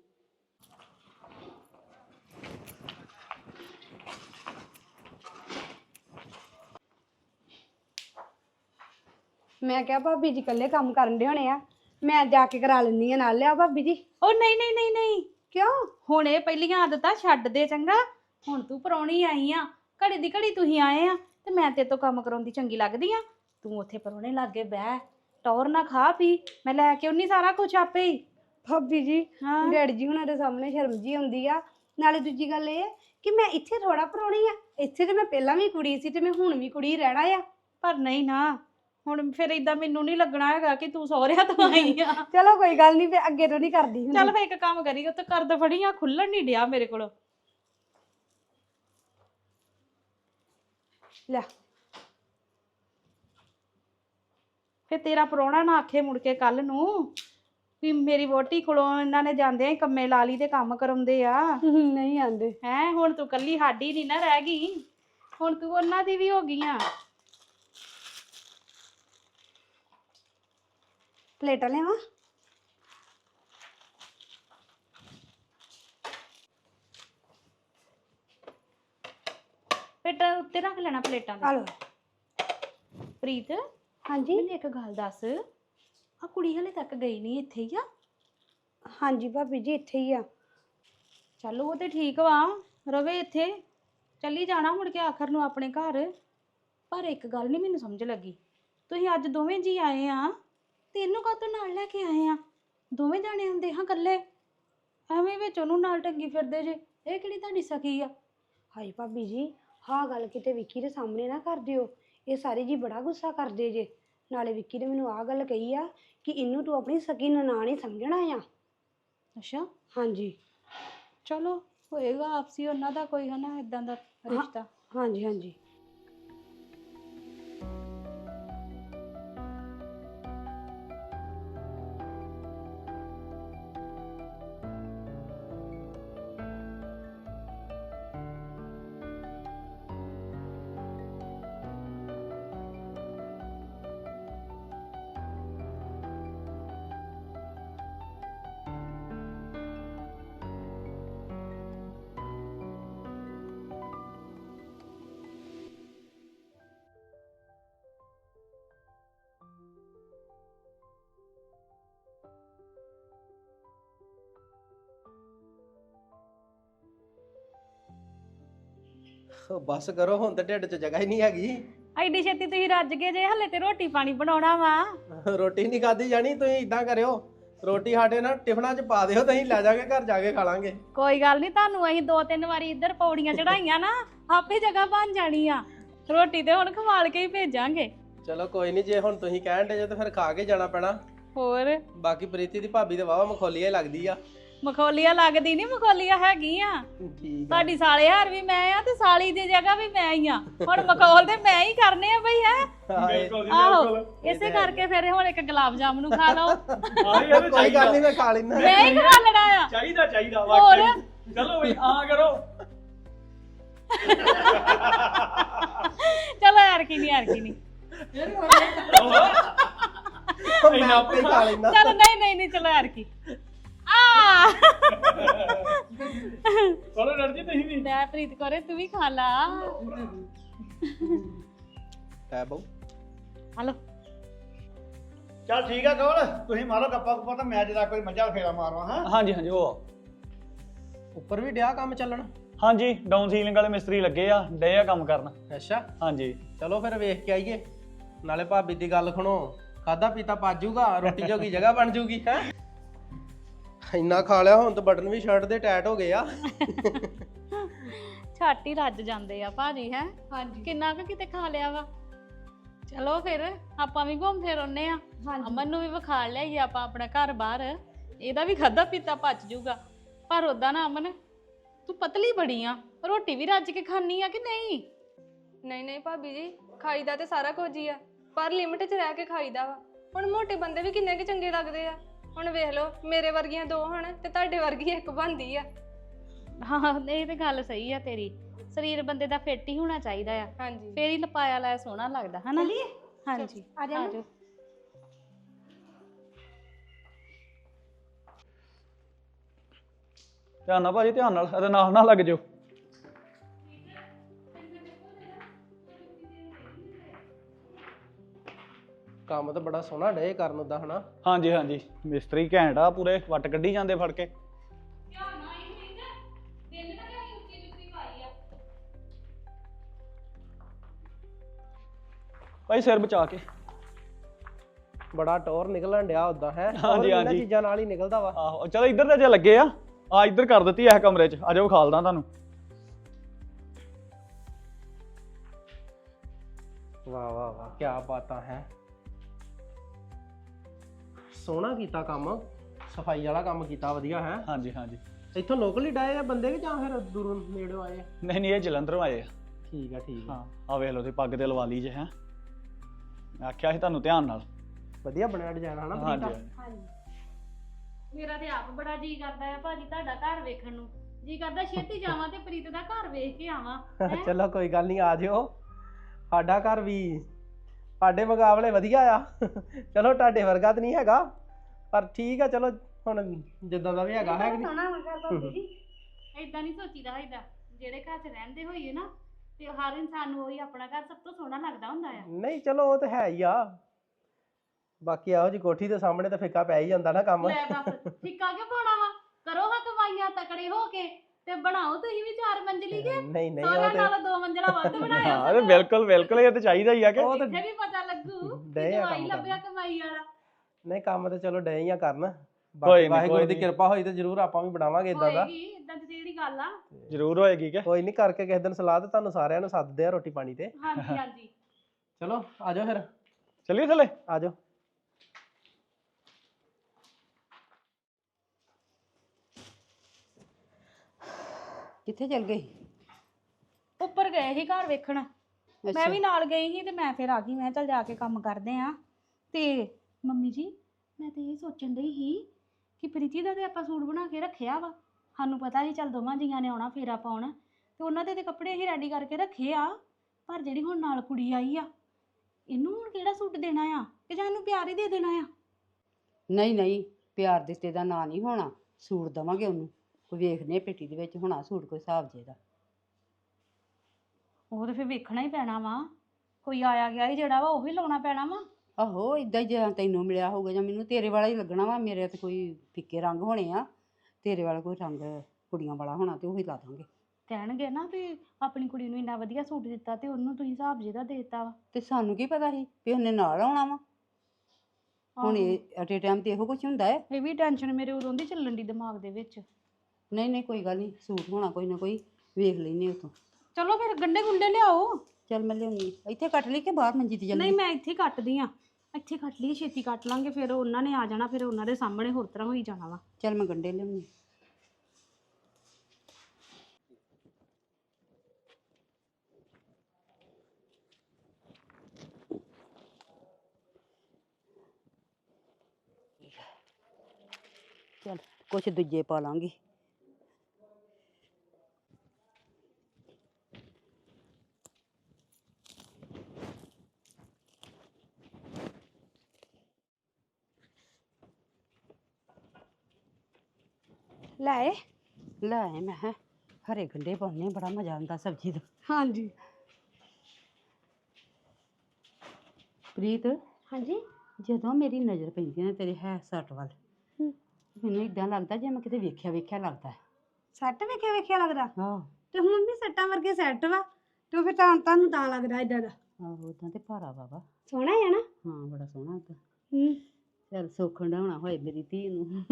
ਮੈਂ ਕਿਹਾ ਭਾਬੀ ਜੀ ਇਕੱਲੇ ਕੰਮ ਕਰਨ ਦੇ ਹੋਣੇ ਆ ਮੈਂ ਜਾ ਕੇ ਕਰਾ ਲੈਂਦੀ ਆ ਨਾਲ ਲਿਆ ਭਾਬੀ ਜੀ
ਉਹ ਨਹੀਂ ਨਹੀਂ ਨਹੀਂ ਨਹੀਂ
ਕਿਉਂ
ਹੁਣ ਇਹ ਪਹਿਲੀਆਂ ਆਦਤਾਂ ਛੱਡ ਦੇ ਚੰਗਾ ਹੁਣ ਤੂੰ ਪਰੌਣੀ ਆਈ ਆ ਘੜੀ ਦੀ ਘੜੀ ਤੁਸੀਂ ਆਏ ਆ ਤੇ ਮੈਂ ਤੇਰੇ ਤੋਂ ਕੰਮ ਕਰਾਉਂਦੀ ਚੰਗੀ ਲੱਗਦੀ ਆ ਤੂੰ ਉੱਥੇ ਪਰੌਣੇ ਲਾਗੇ ਬਹਿ ਟੌਰ ਨਾ ਖਾ ਪੀ ਮੈਂ ਲੈ ਕੇ ਉਨੀ ਸਾਰਾ ਕੁਝ ਆਪੇ ਹੀ
ਭਾਬੀ ਜੀ
ਹਾਂ
ਡੈਡੀ ਜੀ ਹੁਣਾਂ ਦੇ ਸਾਹਮਣੇ ਸ਼ਰਮ ਜੀ ਆਉਂਦੀ ਆ ਨਾਲੇ ਦੂਜੀ ਗੱਲ ਇਹ ਕਿ ਮੈਂ ਇੱਥੇ ਥੋੜਾ ਪਰੌਣੀ ਆ ਇੱਥੇ ਤੇ ਮੈਂ ਪਹਿਲਾਂ ਵੀ ਕੁੜੀ ਸੀ ਤੇ ਮੈਂ ਹੁਣ ਵੀ ਕੁੜੀ ਰਹਿਣਾ ਆ
ਪਰ ਨਹੀਂ ਨਾ ਹੁਣ ਫਿਰ ਇਦਾਂ ਮੈਨੂੰ ਨਹੀਂ ਲੱਗਣਾ ਹੈਗਾ ਕਿ ਤੂੰ ਸਹੁਰਿਆਂ ਤੋਂ ਆਈ ਆ।
ਚਲੋ ਕੋਈ ਗੱਲ ਨਹੀਂ, ਫੇ ਅੱਗੇ ਤੋਂ ਨਹੀਂ ਕਰਦੀ ਹੁੰਦੀ।
ਚੱਲ ਫੇ ਇੱਕ ਕੰਮ ਕਰੀ, ਉੱਤੇ ਕਰਦ ਫੜੀ ਆ, ਖੁੱਲਣ ਨਹੀਂ ਡਿਆ ਮੇਰੇ ਕੋਲ।
ਲੈ
ਫੇ ਤੇਰਾ ਪ੍ਰਾਹੁਣਾ ਨਾ ਆਖੇ ਮੁੜ ਕੇ ਕੱਲ ਨੂੰ ਵੀ ਮੇਰੀ ਵੋਟੀ ਕੋਲੋਂ ਇਹਨਾਂ ਨੇ ਜਾਂਦੇ ਆ ਕੰਮੇ ਲਾ ਲਈ ਤੇ ਕੰਮ ਕਰਾਉਂਦੇ ਆ।
ਨਹੀਂ ਆਂਦੇ।
ਹੈ ਹੁਣ ਤੂੰ ਕੱਲੀ ਸਾਡੀ ਨਹੀਂ ਨਾ ਰਹਿ ਗਈ, ਹੁਣ ਤੂੰ ਉਹਨਾਂ ਦੀ ਵੀ ਹੋ ਗਈ ਆ।
ਪਲੇਟਾਂ ਲਿਆਵਾਂ?
ਪਲੇਟਾਂ ਉੱਤੇ ਰੱਖ ਲੈਣਾ, ਪਲੇਟਾਂ
ਆ
ਦੇ।
ਲਓ।
ਪ੍ਰੀਤ
ਹਾਂਜੀ
ਮੈਨੂੰ ਇੱਕ ਗੱਲ ਦੱਸ, ਆ ਕੁੜੀ ਹਲੇ ਤੱਕ ਗਈ ਨਹੀਂ ਇੱਥੇ ਹੀ ਆ?
ਹਾਂਜੀ ਭਾਬੀ ਜੀ ਇੱਥੇ ਹੀ ਆ।
ਚੱਲ ਉਹ ਤੇ ਠੀਕ ਵਾ, ਰਵੇ ਇੱਥੇ, ਚੱਲੀ ਜਾਣਾ ਮੁੜ ਕੇ ਆਖਰ ਨੂੰ ਆਪਣੇ ਘਰ। ਪਰ ਇੱਕ ਗੱਲ ਨਹੀਂ ਮੈਨੂੰ ਸਮਝ ਲੱਗੀ, ਤੁਸੀਂ ਅੱਜ ਦੋਵੇਂ ਜੀ ਆਏ ਆ ਤੇ ਇਹਨੂੰ ਕਾਹਤੋਂ ਨਾਲ ਲੈ ਕੇ ਆਏ ਆ? ਦੋਵੇਂ ਜਾਣੇ ਹੁੰਦੇ ਹਾਂ ਇਕੱਲੇ, ਐਵੇਂ ਵਿੱਚ ਉਹਨੂੰ ਨਾਲ ਟੰਗੀ ਫਿਰਦੇ ਜੇ। ਇਹ ਕਿਹੜੀ ਤੁਹਾਡੀ ਸਕੀ ਆ?
ਹਾਏ ਭਾਬੀ ਜੀ, ਹਾਂ ਗੱਲ ਕਿਤੇ ਵਿੱਕੀ ਦੇ ਸਾਹਮਣੇ ਨਾ ਕਰ ਦਿਓ, ਇਹ ਸਾਰੇ ਜੀ ਬੜਾ ਗੁੱਸਾ ਕਰਦੇ ਜੇ। ਨਾਲੇ ਵਿੱਕੀ ਨੇ ਮੈਨੂੰ ਆਹ ਗੱਲ ਕਹੀ ਆ ਕਿ ਇਹਨੂੰ ਤੂੰ ਆਪਣੀ ਸਕੀ ਨਨਾਣ ਹੀ ਸਮਝਣਾ ਆ।
ਅੱਛਾ,
ਹਾਂਜੀ
ਚਲੋ ਹੋਏਗਾ ਆਪਸੀ ਉਹਨਾਂ ਦਾ ਕੋਈ ਹਨਾ ਇਦਾਂ ਦਾ ਰਿਸ਼ਤਾ।
ਹਾਂਜੀ ਹਾਂਜੀ।
ਬਸ ਕਰੋ, ਹੁਣ ਤੇ ਢਿੱਡ 'ਚ ਜਗ੍ਹਾ ਹੀ ਨਹੀਂ ਹੈਗੀ।
ਐਡੀ ਛੇਤੀ ਤੁਸੀਂ ਰੱਜ ਗਏ ਜੇ, ਹਲੇ ਤੇ ਰੋਟੀ ਪਾਣੀ ਬਣਾਉਣਾ ਵਾ।
ਰੋਟੀ ਨਹੀਂ ਖਾਦੀ ਜਾਣੀ, ਤੁਸੀਂ ਇਦਾਂ ਕਰਿਓ, ਰੋਟੀ ਸਾਡੇ ਨਾਲ ਟਿਫਨਾਂ 'ਚ ਪਾ ਦਿਓ, ਤੁਸੀਂ ਲੈ ਜਾਗੇ ਘਰ ਜਾ ਕੇ ਖਾ ਲਾਂਗੇ।
ਕੋਈ ਗੱਲ ਨਹੀਂ, ਤੁਹਾਨੂੰ ਅਸੀਂ 2-3 ਵਾਰੀ ਇੱਧਰ ਪੌੜੀਆਂ ਚੜਾਈਆਂ ਨਾ, ਆਪੇ ਜਗ੍ਹਾ ਬਣ ਜਾਣੀ ਆ। ਰੋਟੀ ਤੇ ਹੁਣ ਖਵਾਲ ਕੇ ਹੀ ਭੇਜਾਂਗੇ।
ਚਲੋ ਕੋਈ ਨਹੀਂ, ਜੇ ਹੁਣ ਤੁਸੀਂ ਕਹਿਣ ਦੇ ਜੇ ਤਾਂ ਫਿਰ ਖਾ ਕੇ ਜਾਣਾ ਪੈਣਾ।
ਹੋਰ
ਬਾਕੀ ਪ੍ਰੀਤੀ ਦੀ ਭਾਬੀ ਤੇ ਵਾਵਾ ਮਖੌਲੀਆ ਹੀ ਲੱਗਦੀ ਆ।
ਮਖੌਲੀਆ ਲੱਗਦੀ ਨਹੀਂ, ਮਖੌਲੀਆ ਹੈਗੀ ਆ।
ਠੀਕ ਆ।
ਤੁਹਾਡੀ ਸਾਲੇ ਹਾਰ ਵੀ ਮੈਂ ਆ ਤੇ ਸਾਲੀ ਦੀ ਜਗ੍ਹਾ ਵੀ ਮੈਂ ਹੀ ਆ। ਹੁਣ ਮਖੌਲ ਤੇ ਮੈਂ ਹੀ ਕਰਨੇ ਆ ਬਈ। ਹੈ ਆਹੋ, ਇਸੇ ਕਰਕੇ ਫਿਰ ਹੁਣ ਇੱਕ ਗੁਲਾਬ ਜਾਮਨੂ ਖਾ ਲਓ।
ਕੋਈ ਗੱਲ ਨਹੀਂ, ਮੈਂ ਖਾ ਲੈਣਾ।
ਮੈਂ ਹੀ ਖਾ ਲੈਣਾ ਆ।
ਚਾਹੀਦਾ
ਹੋਰ
ਚਲੋ ਬਈ ਆ ਕਰੋ।
ਚਲੋ ਯਾਰ ਕੀ ਨਹੀਂ
ਮੈਂ ਆਪੇ ਹੀ ਖਾ ਲੈਣਾ।
ਚਲੋ ਨਹੀਂ ਚਲੋ ਯਾਰ ਕੀ ਆ।
ਚਲੋ ਡਰ ਜੀ ਤੁਸੀਂ ਵੀ।
ਲੈ ਪ੍ਰੀਤ ਕੋਰੇ ਤੂੰ ਵੀ ਖਾ ਲਾ।
ਹੈ ਬਹੁ,
ਹਲੋ
ਚੱਲ ਠੀਕ ਆ ਕੋਲ, ਤੁਸੀਂ ਮਾਰੋ ਗੱਪਾ ਗੁੱਪਾ ਤਾਂ ਮੈਂ ਜਰਾ ਕੋਈ ਮੱਝਾਂ ਫੇਰਾ ਮਾਰਵਾ। ਹਾਂ
ਹਾਂਜੀ ਉਹ ਆ।
ਉੱਪਰ ਵੀ ਡਿਆ ਕੰਮ ਚੱਲਣ?
ਹਾਂਜੀ, ਡਾਊਨ ਸੀਲਿੰਗ ਵਾਲੇ ਮਿਸਤਰੀ ਲੱਗੇ ਆ, ਡੇ ਆ ਕੰਮ ਕਰਨ।
ਅੱਛਾ,
ਹਾਂਜੀ
ਚਲੋ ਫਿਰ ਵੇਖ ਕੇ ਆਈਏ। ਨਾਲੇ ਭਾਬੀ ਦੀ ਗੱਲ ਸੁਣੋ, ਖਾਦਾ ਪੀਤਾ ਪਾਜੂਗਾ, ਰੋਟੀ ਜੋਗੀ ਜਗ੍ਹਾ ਬਣ ਜੂਗੀ। ਹੈ ਇੰਨਾ ਖਾ ਲਿਆ, ਹੁਣ ਤਾਂ ਬਟਨ ਵੀ ਸ਼ਰਟ ਦੇ ਟਾਈਟ ਹੋ ਗਏ ਆ।
ਛੱਟ ਹੀ ਰੱਜ ਜਾਂਦੇ ਆ ਭਾਜੀ। ਹੈ ਹਾਂਜੀ, ਕਿੰਨਾ ਕੁ ਕਿਤੇ ਖਾ ਲਿਆ ਵਾ। ਚਲੋ ਫਿਰ ਆਪਾਂ ਵੀ ਘੁੰਮ ਫਿਰ ਆਉਨੇ ਆ। ਅਮਨ ਨੂੰ ਵੀ ਵਿਖਾ ਲਿਆਈਏ ਆਪਾਂ ਆਪਣਾ ਘਰ ਬਾਹਰ, ਇਹਦਾ ਵੀ ਖਾਦਾ ਪੀਤਾ ਪਚ ਜੂਗਾ। ਪਰ ਉਦਾਂ ਨਾ ਅਮਨ, ਤੂੰ ਪਤਲੀ ਬੜੀ ਆ, ਰੋਟੀ ਵੀ ਰੱਜ ਕੇ ਖਾਣੀ ਆ ਕਿ ਨਹੀਂ?
ਨਹੀਂ ਭਾਬੀ ਜੀ, ਖਾਈਦਾ ਤੇ ਸਾਰਾ ਕੁਝ ਹੀ ਆ, ਪਰ ਲਿਮਟ 'ਚ ਰਹਿ ਕੇ ਖਾਈਦਾ ਵਾ। ਹੁਣ ਮੋਟੇ ਬੰਦੇ ਵੀ ਕਿੰਨੇ ਕੁ ਚੰਗੇ ਲੱਗਦੇ ਆ। ਹੁਣ ਵੇਖ ਲਓ, ਮੇਰੇ ਵਰਗੀਆਂ 2 ਹਨ ਤੇ ਤੁਹਾਡੇ ਵਰਗੀ 1 ਬਣਦੀ ਆ।
ਹਾਂ ਇਹ ਤੇ ਗੱਲ ਸਹੀ ਆ ਤੇਰੀ। ਸਰੀਰ ਬੰਦੇ ਦਾ ਫਿੱਟ ਹੀ ਹੋਣਾ ਚਾਹੀਦਾ ਆ,
ਹਾਂਜੀ
ਫੇਰ ਹੀ ਲਪਾਇਆ ਲਾਇਆ ਸੋਹਣਾ ਲੱਗਦਾ ਹਨਾ। ਹਾਂਜੀ
ਆ ਜਾ।
ਆਜੋ।
ਧਿਆਨ ਨਾਲ ਭਾਜੀ, ਧਿਆਨ ਨਾਲ, ਇਹਦੇ ਨਾਲ ਨਾ ਲੱਗ ਜਾਓ।
ਕੰਮ ਤਾਂ ਬੜਾ ਸੋਹਣਾ ਡੇ ਕਰਨ ਦਾ ਹਨਾ।
ਹਾਂਜੀ ਮਿਸਤਰੀ ਘੈਂਟ ਆ, ਪੂਰੇ ਵੱਟ ਕੱਢੀ ਜਾਂਦੇ ਫੜ ਕੇ। ਭਾਈ ਸਿਰ ਬਚਾ ਕੇ।
ਬੜਾ ਟੌਰ ਨਿਕਲਣ ਡਿਆ ਉਦਾਂ। ਹੈ
ਹਾਂਜੀ ਹਾਂਜੀ,
ਚੀਜ਼ਾਂ ਨਾਲ ਹੀ ਨਿਕਲਦਾ ਵਾ।
ਆਹੋ ਚਲੋ ਇੱਧਰ ਤੇ ਜੇ ਲੱਗੇ ਆ, ਆ ਇੱਧਰ ਕਰ ਦਿੱਤੀ ਇਹ ਕਮਰੇ 'ਚ। ਆ ਜਾਓ ਵਿਖਾਲਦਾ ਤੁਹਾਨੂੰ।
ਵਾਹ ਕੀ ਬਾਤਾਂ ਹੈ। ਸੋਹਣਾ ਕੀਤਾ ਕੰਮ, ਸਫਾਈ ਵਾਲਾ ਕੰਮ ਕੀਤਾ ਵਧੀਆ ਹੈ।
ਹਾਂਜੀ ਹਾਂਜੀ।
ਇੱਥੋਂ ਲੋਕਲ ਹੀ ਡਾਏ ਆ ਬੰਦੇ ਕਿ ਜਾਂ ਫਿਰ ਦੂਰੋਂ ਨੇੜੋਂ ਆਏ ਆ?
ਨਹੀਂ ਨਹੀਂ, ਇਹ ਜਲੰਧਰੋਂ ਆਏ ਆ।
ਠੀਕ ਆ ਠੀਕ ਆ।
ਹਾਂ ਆ ਵੇਖ ਲਓ ਤੇ ਪੱਗ ਤੇ ਲਵਾ ਲਈ ਜੇ ਹੈ। ਮੈਂ ਆਖਿਆ ਸੀ ਤੁਹਾਨੂੰ ਧਿਆਨ ਨਾਲ।
ਵਧੀਆ ਬਣਿਆ ਡਿਜ਼ਾਈਨ ਹਨਾ
ਹਾਂਜੀ
ਪ੍ਰੀਤਾ?
ਹਾਂਜੀ। ਮੇਰਾ ਤੇ ਆਪ ਬੜਾ ਜੀ ਕਰਦਾ ਹੈ ਭਾਜੀ ਤੁਹਾਡਾ ਘਰ ਵੇਖਣ ਨੂੰ। ਜੀ ਕਰਦਾ ਛੇਤੀ ਜਾਵਾਂ ਤੇ ਪ੍ਰੀਤ ਦਾ ਘਰ ਵੇਖ ਕੇ ਆਵਾਂ। ਹੈਂ?
ਚਲੋ ਕੋਈ ਗੱਲ ਨਹੀਂ, ਆ ਜਿਓ। ਸਾਡਾ ਘਰ ਵੀ ਸਾਡੇ ਮੁਕਾਬਲੇ ਵਧੀਆ ਆ। ਚਲੋ ਤੁਹਾਡੇ ਵਰਗਾ ਤਾਂ ਨਹੀਂ ਹੈਗਾ, ਪਰ ਠੀਕ ਆ। ਚਲੋ ਹੁਣ ਜਿੱਦਾਂ ਦਾ ਵੀ ਹੈਗਾ ਹੈ ਕਿ ਨਹੀਂ।
ਸੋਹਣਾ ਵਾ ਘਰ ਭਾਬੀ ਜੀ।
ਏਦਾਂ ਨਹੀਂ ਸੋਚੀਦਾ ਹੋਈਦਾ। ਜਿਹੜੇ ਘਰ 'ਚ ਰਹਿੰਦੇ ਹੋਈਏ ਨਾ ਤੇ ਹਰ ਇਨਸਾਨ ਨੂੰ ਉਹੀ ਆਪਣਾ ਘਰ ਸਭ ਤੋਂ ਸੋਹਣਾ ਲੱਗਦਾ ਹੁੰਦਾ ਆ।
ਨਹੀਂ ਚਲੋ ਉਹ ਤਾਂ ਹੈ ਹੀ ਆ। ਬਾਕੀ ਇਹੋ ਜੀ ਕੋਠੀ ਦੇ ਸਾਹਮਣੇ ਤਾਂ ਫਿੱਕਾ ਪੈ ਹੀ ਜਾਂਦਾ ਨਾ ਕੰਮ।
ਲੈ ਬਸ ਫਿੱਕਾ ਕਿਉਂ ਪਾਉਣਾ ਵਾ? ਕਰੋ ਹਾਂ ਕਮਾਈਆਂ ਤਕੜੇ ਹੋ ਕੇ ਤੇ ਬਣਾਓ ਤੁਸੀਂ ਵੀ 4 ਮੰਜ਼ਲੀ ਕੇ।
ਨਹੀਂ ਨਹੀਂ,
ਸਾਰਿਆਂ
ਉਹ ਤੇ
ਨਾਲੋਂ 2 ਮੰਜ਼ਲਾ ਵੱਧ ਬਣਾਇਆ।
ਹਾਂ ਤੇ ਬਿਲਕੁਲ ਬਿਲਕੁਲ, ਇਹ ਤਾਂ ਚਾਹੀਦਾ ਹੀ ਆ ਕਿ
ਉਹ ਤਾਂ
ਇੱਥੇ ਵੀ ਪਤਾ ਲੱਗੂ
ਡਏ
ਕਿ
ਆ
ਜਵਾਈ
ਕੰਮ
ਲੱਭਿਆ ਕਮਾਈ ਵਾਲਾ।
ਨਹੀਂ ਕੰਮ ਤੇ ਚਲੋ ਡਏ ਹੀ ਆ ਕਰਨ।
ਕੋਈ
ਬਾਕੀ
ਨੀ,
ਵਾਹਿਗੁਰੂ
ਕੋਈ
ਦੀ
ਨੀ।
ਕਿਰਪਾ ਹੋਈ ਤੇ ਜ਼ਰੂਰ ਆਪਾਂ ਵੀ ਬਣਾਵਾਂਗੇ ਇਦਾਂ ਦਾ।
ਹੋਏਗੀ ਇਦਾਂ ਦੀ ਜਿਹੜੀ ਗੱਲ ਆ।
ਜ਼ਰੂਰ ਹੋਏਗੀ ਕਿ।
ਕੋਈ ਨਹੀਂ, ਕਰਕੇ ਕਿਸੇ ਦਿਨ ਸਲਾਹ ਤੇ ਤੁਹਾਨੂੰ ਸਾਰਿਆਂ ਨੂੰ ਸੱਦਦੇ ਆ ਰੋਟੀ ਪਾਣੀ ਤੇ।
ਹਾਂਜੀ ਹਾਂਜੀ।
ਚਲੋ ਆਜੋ ਫਿਰ,
ਚੱਲੀਏ ਥੱਲੇ।
ਆਜੋ।
ਕਿੱਥੇ ਚਲ ਗਈ?
ਉੱਪਰ ਗਏ ਸੀ ਘਰ ਵੇਖਣ। ਮੈਂ ਵੀ ਨਾਲ ਗਈ ਸੀ ਤੇ ਮੈਂ ਫਿਰ ਆ ਗਈ। ਮੈਂ ਚੱਲ ਜਾ ਕੇ ਕੰਮ ਕਰਦੇ ਆ। ਤੇ ਮੰਮੀ ਜੀ ਮੈਂ ਤੇ ਇਹ ਸੋਚਣ ਡਈ ਸੀ ਕਿ ਪ੍ਰੀਤੀ ਦਾ ਤੇ ਆਪਾਂ ਸੂਟ ਬਣਾ ਕੇ ਰੱਖਿਆ ਵਾ। ਸਾਨੂੰ ਪਤਾ ਸੀ ਚੱਲ ਦੋਵਾਂ ਜੀਆਂ ਨੇ ਆਉਣਾ ਫੇਰਾ ਪਾਉਣ ਤੇ ਉਹਨਾਂ ਦੇ ਤੇ ਕੱਪੜੇ ਅਸੀਂ ਰੈਡੀ ਕਰਕੇ ਰੱਖੇ ਆ। ਪਰ ਜਿਹੜੀ ਹੁਣ ਨਾਲ ਕੁੜੀ ਆਈ ਆ, ਇਹਨੂੰ ਹੁਣ ਕਿਹੜਾ ਸੂਟ ਦੇਣਾ ਆ ਕਿ ਜਾਂ ਇਹਨੂੰ ਪਿਆਰ ਹੀ ਦੇ ਦੇਣਾ ਆ?
ਨਹੀਂ ਨਹੀਂ, ਪਿਆਰ ਦਿੱਤੇ ਦਾ ਨਾਂ ਨਹੀਂ ਹੋਣਾ। ਸੂਟ ਦਵਾਂਗੇ ਉਹਨੂੰ। ਕੋਈ ਵੇਖਦੇ ਪੇਟੀ ਦੇ ਵਿੱਚ ਹੋਣਾ ਸੂਟ ਕੋਈ ਹਿਸਾਬ ਜੇ ਦਾ।
ਉਹ ਤੇ ਫਿਰ ਵੇਖਣਾ ਹੀ ਪੈਣਾ ਵਾ। ਕੋਈ ਆਇਆ ਗਿਆ ਹੀ ਜਿਹੜਾ ਵਾ ਉਹ ਹੀ ਲਾਉਣਾ ਪੈਣਾ ਵਾ।
ਆਹੋ ਇਦਾਂ ਹੀ, ਜੇ ਤੈਨੂੰ ਮਿਲਿਆ ਹੋਊਗਾ ਜਾਂ ਮੈਨੂੰ ਤੇਰੇ ਵਾਲਾ ਹੀ ਲੱਗਣਾ ਵਾ। ਮੇਰੇ ਤੇ ਕੋਈ ਫਿੱਕੇ ਰੰਗ ਹੋਣੇ ਆ, ਤੇਰੇ ਵਾਲਾ ਕੋਈ ਰੰਗ ਕੁੜੀਆਂ ਵਾਲਾ ਹੋਣਾ ਤੇ ਉਹੀ ਲਾ ਦਾਂਗੇ।
ਕਹਿਣਗੇ ਨਾ ਵੀ ਆਪਣੀ ਕੁੜੀ ਨੂੰ ਇੰਨਾ ਵਧੀਆ ਸੂਟ ਦਿੱਤਾ ਤੇ ਉਹਨੂੰ ਤੁਸੀਂ ਹਿਸਾਬ ਜਿਹਦਾ ਦੇ ਦਿੱਤਾ ਵਾ।
ਤੇ ਸਾਨੂੰ ਕੀ ਪਤਾ ਸੀ ਵੀ ਉਹਨੇ ਨਾਲ ਆਉਣਾ ਵਾ। ਹੁਣ ਇਹ ਅਟੇ ਟਾਈਮ ਤੇ ਇਹੋ ਕੁਝ ਹੁੰਦਾ ਹੈ।
ਇਹ ਵੀ ਟੈਨਸ਼ਨ ਮੇਰੇ ਉਦੋਂ ਦੀ ਚੱਲਣ ਦੀ ਦਿਮਾਗ ਦੇ ਵਿੱਚ।
ਨਹੀਂ ਨਹੀਂ, ਕੋਈ ਗੱਲ ਨਹੀਂ, ਸੂਟ ਹੋਣਾ ਕੋਈ ਨਾ ਕੋਈ, ਵੇਖ ਲੈਨੇ ਉਤੋਂ।
ਚਲੋ ਫਿਰ ਗੰਡੇ ਗੁੰਡੇ ਲਿਆਓ।
ਚੱਲ ਮੈਂ ਲਿਆਉਣੀ। ਇੱਥੇ ਕੱਟ ਲਈ ਕਿ ਬਾਹਰ ਮੰਜੀ ਤੇ
ਨਹੀਂ
ਚੱਲੀ?
ਮੈਂ ਇੱਥੇ ਹੀ ਕੱਟਦੀ ਆ। ਇੱਥੇ ਕੱਟ ਲਈ, ਛੇਤੀ ਕੱਟ ਲਾਂਗੇ। ਫਿਰ ਉਹਨਾਂ ਨੇ ਆ ਜਾਣਾ, ਫਿਰ ਉਹਨਾਂ ਦੇ ਸਾਹਮਣੇ ਹੋਰ ਤਰ੍ਹਾਂ ਹੋਈ ਜਾਣਾ ਵਾ।
ਚੱਲ ਮੈਂ ਗੰਡੇ ਲਿਆਉਣੀ। ਚੱਲ ਕੁਛ ਦੂਜੇ ਪਾ ਲਾਂਗੀ।
ਲੈ
ਲੈ ਆਏ ਮੈਂ ਕਿਹਾ ਹਰੇ ਗੰਡੇ ਪਾਉਣੇ, ਬੜਾ ਮਜ਼ਾ ਆਉਂਦਾ ਸਬਜ਼ੀ ਦਾ।
ਹਾਂਜੀ
ਪ੍ਰੀਤ,
ਹਾਂਜੀ।
ਜਦੋਂ ਮੇਰੀ ਨਜ਼ਰ ਪੈਂਦੀ ਨਾ ਤੇਰੇ ਹੈ ਸੱਟ ਵੱਲ, ਮੈਨੂੰ ਇਦਾਂ ਲੱਗਦਾ ਜਿਵੇਂ ਕਿਤੇ ਵੇਖਿਆ ਵੇਖਿਆ ਲੱਗਦਾ।
ਸੈੱਟ ਵੇਖਿਆ ਵੇਖਿਆ ਲੱਗਦਾ?
ਆਹੋ
ਤੇ ਹੁਣ ਵੀ ਸੱਟਾਂ ਵਰਗੇ ਸੈੱਟ ਵਾ ਤੇ ਉਹ ਫਿਰ ਤੁਹਾਨੂੰ ਤਾਂ ਲੱਗਦਾ ਇਦਾਂ ਦਾ?
ਆਹੋ, ਉਦਾਂ ਤੇ ਭਾਰਾ ਬਾਬਾ।
ਸੋਹਣਾ ਹੈ ਨਾ?
ਹਾਂ ਬੜਾ ਸੋਹਣਾ ਉਦਾਂ।
ਹੂੰ।
ਚੱਲ ਸੁੱਖ ਹੰਡਾਉਣਾ ਹੋਏ ਮੇਰੀ ਧੀ ਨੂੰ।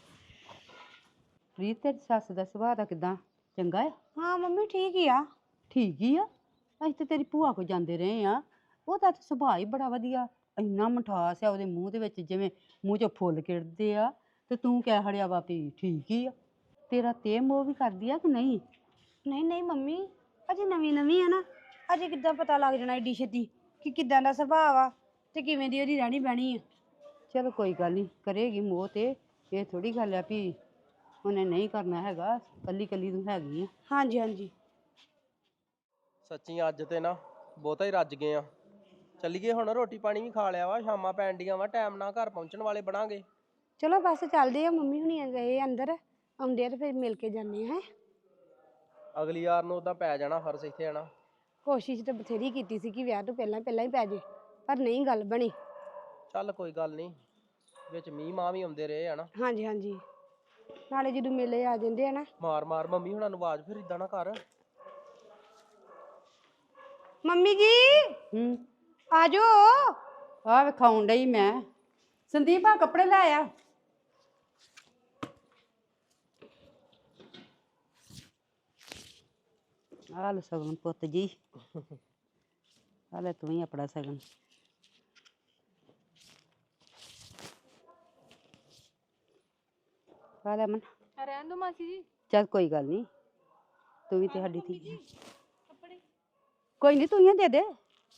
ਪ੍ਰੀਤ, ਤੇਰੀ ਸੱਸ ਦਾ ਸੁਭਾਅ ਦਾ ਕਿਦਾਂ? ਚੰਗਾ ਆ?
ਹਾਂ ਮੰਮੀ ਠੀਕ ਹੀ ਆ।
ਠੀਕ ਹੀ ਆ। ਅਸੀਂ ਤੇ ਤੇਰੀ ਭੂਆ ਕੋ ਜਾਂਦੇ ਰਹੇ ਆ, ਉਹਦਾ ਤਾਂ ਸੁਭਾਅ ਹੀ ਬੜਾ ਵਧੀਆ। ਇੰਨਾ ਮਿਠਾਸ ਆ ਉਹਦੇ ਮੂੰਹ ਦੇ ਵਿੱਚ, ਜਿਵੇਂ ਮੂੰਹ ਚੋਂ ਫੁੱਲ ਕਿੜਦੇ ਆ। ਤੇ ਤੂੰ ਕਹਿ ਹੜਿਆ ਵਾ ਵੀ ਠੀਕ ਹੀ ਆ। ਤੇਰਾ ਤੇ ਮੋਹ ਵੀ ਕਰਦੀ ਆ ਕਿ ਨਹੀਂ?
ਨਹੀਂ ਨਹੀਂ ਮੰਮੀ, ਅਜੇ ਨਵੀਂ ਨਵੀਂ ਆ ਨਾ, ਅਜੇ ਕਿੱਦਾਂ ਪਤਾ ਲੱਗ ਜਾਣਾ ਏਡੀ ਛੇਤੀ ਕਿ ਕਿੱਦਾਂ ਦਾ ਸੁਭਾਅ ਆ ਤੇ ਕਿਵੇਂ ਦੀ ਉਹਦੀ ਰਹਿਣੀ ਬਹਿਣੀ ਆ।
ਚਲੋ ਕੋਈ ਗੱਲ ਨਹੀਂ, ਕਰੇਗੀ ਮੋਹ ਤੇ। ਇਹ ਥੋੜੀ ਗੱਲ ਆ ਵੀ ਉਹਨੇ ਨਹੀਂ ਕਰਨਾ ਹੈਗਾ। ਕੱਲੀ ਕੱਲੀ ਤੂੰ ਹੈਗੀ ਆ।
ਹਾਂਜੀ ਹਾਂਜੀ।
ਸੱਚੀ ਅੱਜ ਤੇ ਨਾ ਬਹੁਤਾ ਹੀ ਰੱਜ ਗਏ ਆ। ਚੱਲੀਏ ਹੁਣ, ਰੋਟੀ ਪਾਣੀ ਵੀ ਖਾ ਲਿਆ ਵਾ, ਸ਼ਾਮਾਂ ਪੈਣ ਡੀਆਂ ਵਾ, ਟਾਈਮ ਨਾਲ ਘਰ ਪਹੁੰਚਣ ਵਾਲੇ ਬਣਾਂਗੇ।
ਚਲੋ ਬਸ ਚੱਲਦੇ ਆ। ਮੰਮੀ ਹੁਣੀ ਗਏ ਅੰਦਰ, ਆਉਂਦੇ ਆ ਤੇ ਫਿਰ ਮਿਲ ਕੇ ਜਾਂਦੇ ਆ।
ਅਗਲੀ ਵਾਰ ਨੂੰ ਉਦਾਂ ਪੈ ਜਾਣਾ ਫਰਜ਼ ਇੱਥੇ ਆਣਾ।
ਕੋਸ਼ਿਸ਼ ਤਾਂ ਬਥੇਰੀ ਕੀਤੀ ਸੀ ਕਿ ਵਿਆਹ ਤੋਂ ਪਹਿਲਾਂ ਪਹਿਲਾਂ ਹੀ ਪੈ ਜੇ, ਪਰ ਨਹੀਂ ਗੱਲ ਬਣੀ।
ਚੱਲ ਕੋਈ ਗੱਲ ਨਹੀਂ, ਵਿੱਚ ਮੀਂਹ ਮਾਂ ਵੀ ਆਉਂਦੇ ਰਹੇ ਆ ਨਾ।
ਹਾਂਜੀ ਹਾਂਜੀ, ਨਾਲੇ ਜਦੋਂ ਮੇਲੇ ਆ ਜਾਂਦੇ ਆ ਨਾ।
ਮਾਰ ਮਾਰ ਮੰਮੀ ਹੁਣਾਂ ਨੂੰ ਆਵਾਜ਼, ਫਿਰ ਇਦਾਂ ਨਾ ਕਰ।
ਮੰਮੀ ਜੀ ਆ ਜਾਓ।
ਆ ਵਿਖਾਉਣ ਡਈ ਮੈਂ। ਸੰਦੀਪ ਆ ਕੱਪੜੇ ਲੈ ਆ। ਆ ਲੈ ਸਗਨ ਪੁੱਤ ਜੀ, ਆ ਲੈ ਤੂੰ ਹੀ ਆਪਣਾ ਸਗਨ। ਪਾ ਲੈ ਮਨ।
ਰਹਿਣ ਦੋ ਮਾਸੀ ਜੀ।
ਚੱਲ ਕੋਈ ਗੱਲ ਨਹੀਂ, ਤੂੰ ਵੀ ਤੇ ਸਾਡੀ
ਮੰਮੀ
ਧੀ
ਜੀ
ਹੈ।
ਕੱਪੜੇ
ਕੋਈ ਨਹੀਂ, ਤੂੰ ਹੀ ਦੇ ਦੇ।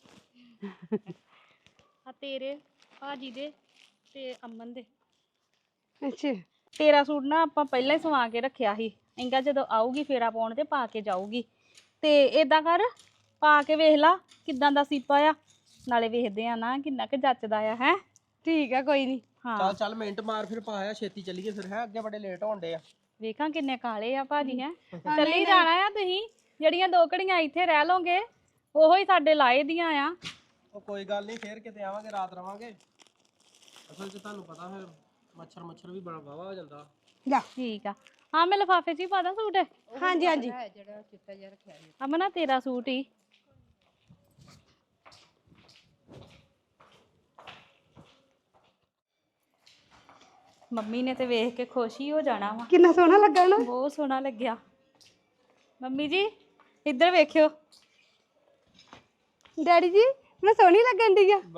ਆ ਤੇਰੇ ਭਾਜੀ ਦੇ ਤੇ ਅਮਨ ਦੇ।
ਅੱਛਾ
ਤੇਰਾ ਸੂਟ ਨਾ ਆਪਾਂ ਪਹਿਲਾਂ ਹੀ ਸਵਾ ਕੇ ਰੱਖਿਆ ਸੀ, ਇੰਗਾ ਜਦੋਂ ਆਊਗੀ ਫੇਰਾ ਪਾਉਣ ਤੇ ਪਾ ਕੇ ਜਾਊਗੀ। ਤੇ ਏਦਾਂ ਕਰ, ਪਾ ਕੇ ਵੇਖ ਲਾ ਕਿੱਦਾਂ ਦਾ ਸੀਪਾ ਆ, ਨਾਲੇ ਵੇਖਦੇ ਆ ਨਾ ਕਿੰਨਾ ਕੁ ਜੱਚਦਾ ਆ। ਹੈ
ਠੀਕ ਆ, ਕੋਈ ਨਹੀਂ।
ਹਾਂ
ਚੱਲ ਮਿੰਟ ਮਾਰ ਫਿਰ ਪਾਇਆ, ਛੇਤੀ ਚੱਲੀਏ ਫਿਰ। ਹੈ ਅੱਗੇ ਬੜੇ ਲੇਟ ਹੋਣ ਡੇ ਆ।
ਵੇਖਾਂ ਕਿੰਨੇ ਕਾਲੇ ਆ ਭਾਜੀ। ਹੈ ਚੱਲੀ ਜਾਣਾ ਆ ਤੁਸੀਂ, ਜਿਹੜੀਆਂ 2 ਘੜੀਆਂ ਇੱਥੇ ਰਹਿ ਲੋਗੇ ਉਹੋ ਹੀ ਸਾਡੇ ਲਾਏ ਦੀਆਂ ਆ।
ਉਹ ਕੋਈ ਗੱਲ ਨਹੀਂ, ਫੇਰ ਕਿਤੇ ਆਵਾਂਗੇ, ਰਾਤ ਰਵਾਂਗੇ। ਅਸਲ 'ਚ ਤੁਹਾਨੂੰ ਪਤਾ ਫਿਰ ਮੱਛਰ ਵੀ ਬੜਾ ਵਾਵਾ ਹੋ ਜਾਂਦਾ।
ਜਾ
ਠੀਕ ਆ, ਹਾਂ ਮੈਂ ਲਿਫਾਫੇ 'ਚ ਹੀ ਪਾ ਦਾਂ ਸੂਟ।
ਹਾਂਜੀ ਹਾਂਜੀ
ਜਿਹੜਾ ਚਿੱਟਾ ਜਿਹਾ ਰੱਖਿਆ ਸੀ।
ਅਮਨਾ ਤੇਰਾ ਸੂਟ ਹੀ। ਮੰਮੀ ਨੇ ਤੇ ਵੇਖ ਕੇ ਖੁਸ਼ ਹੀ ਹੋ ਜਾਣਾ ਵਾ,
ਕਿੰਨਾ ਸੋਹਣਾ ਲੱਗਾ ਨਾ।
ਬਹੁਤ ਸੋਹਣਾ ਲੱਗਿਆ। ਮੰਮੀ ਜੀ ਇੱਧਰ ਵੇਖਿਓ।
ਡੈਡੀ ਜੀ ਮੈਂ ਸੋਹਣੀ ਲੱਗਣ ਦੀ ਆ।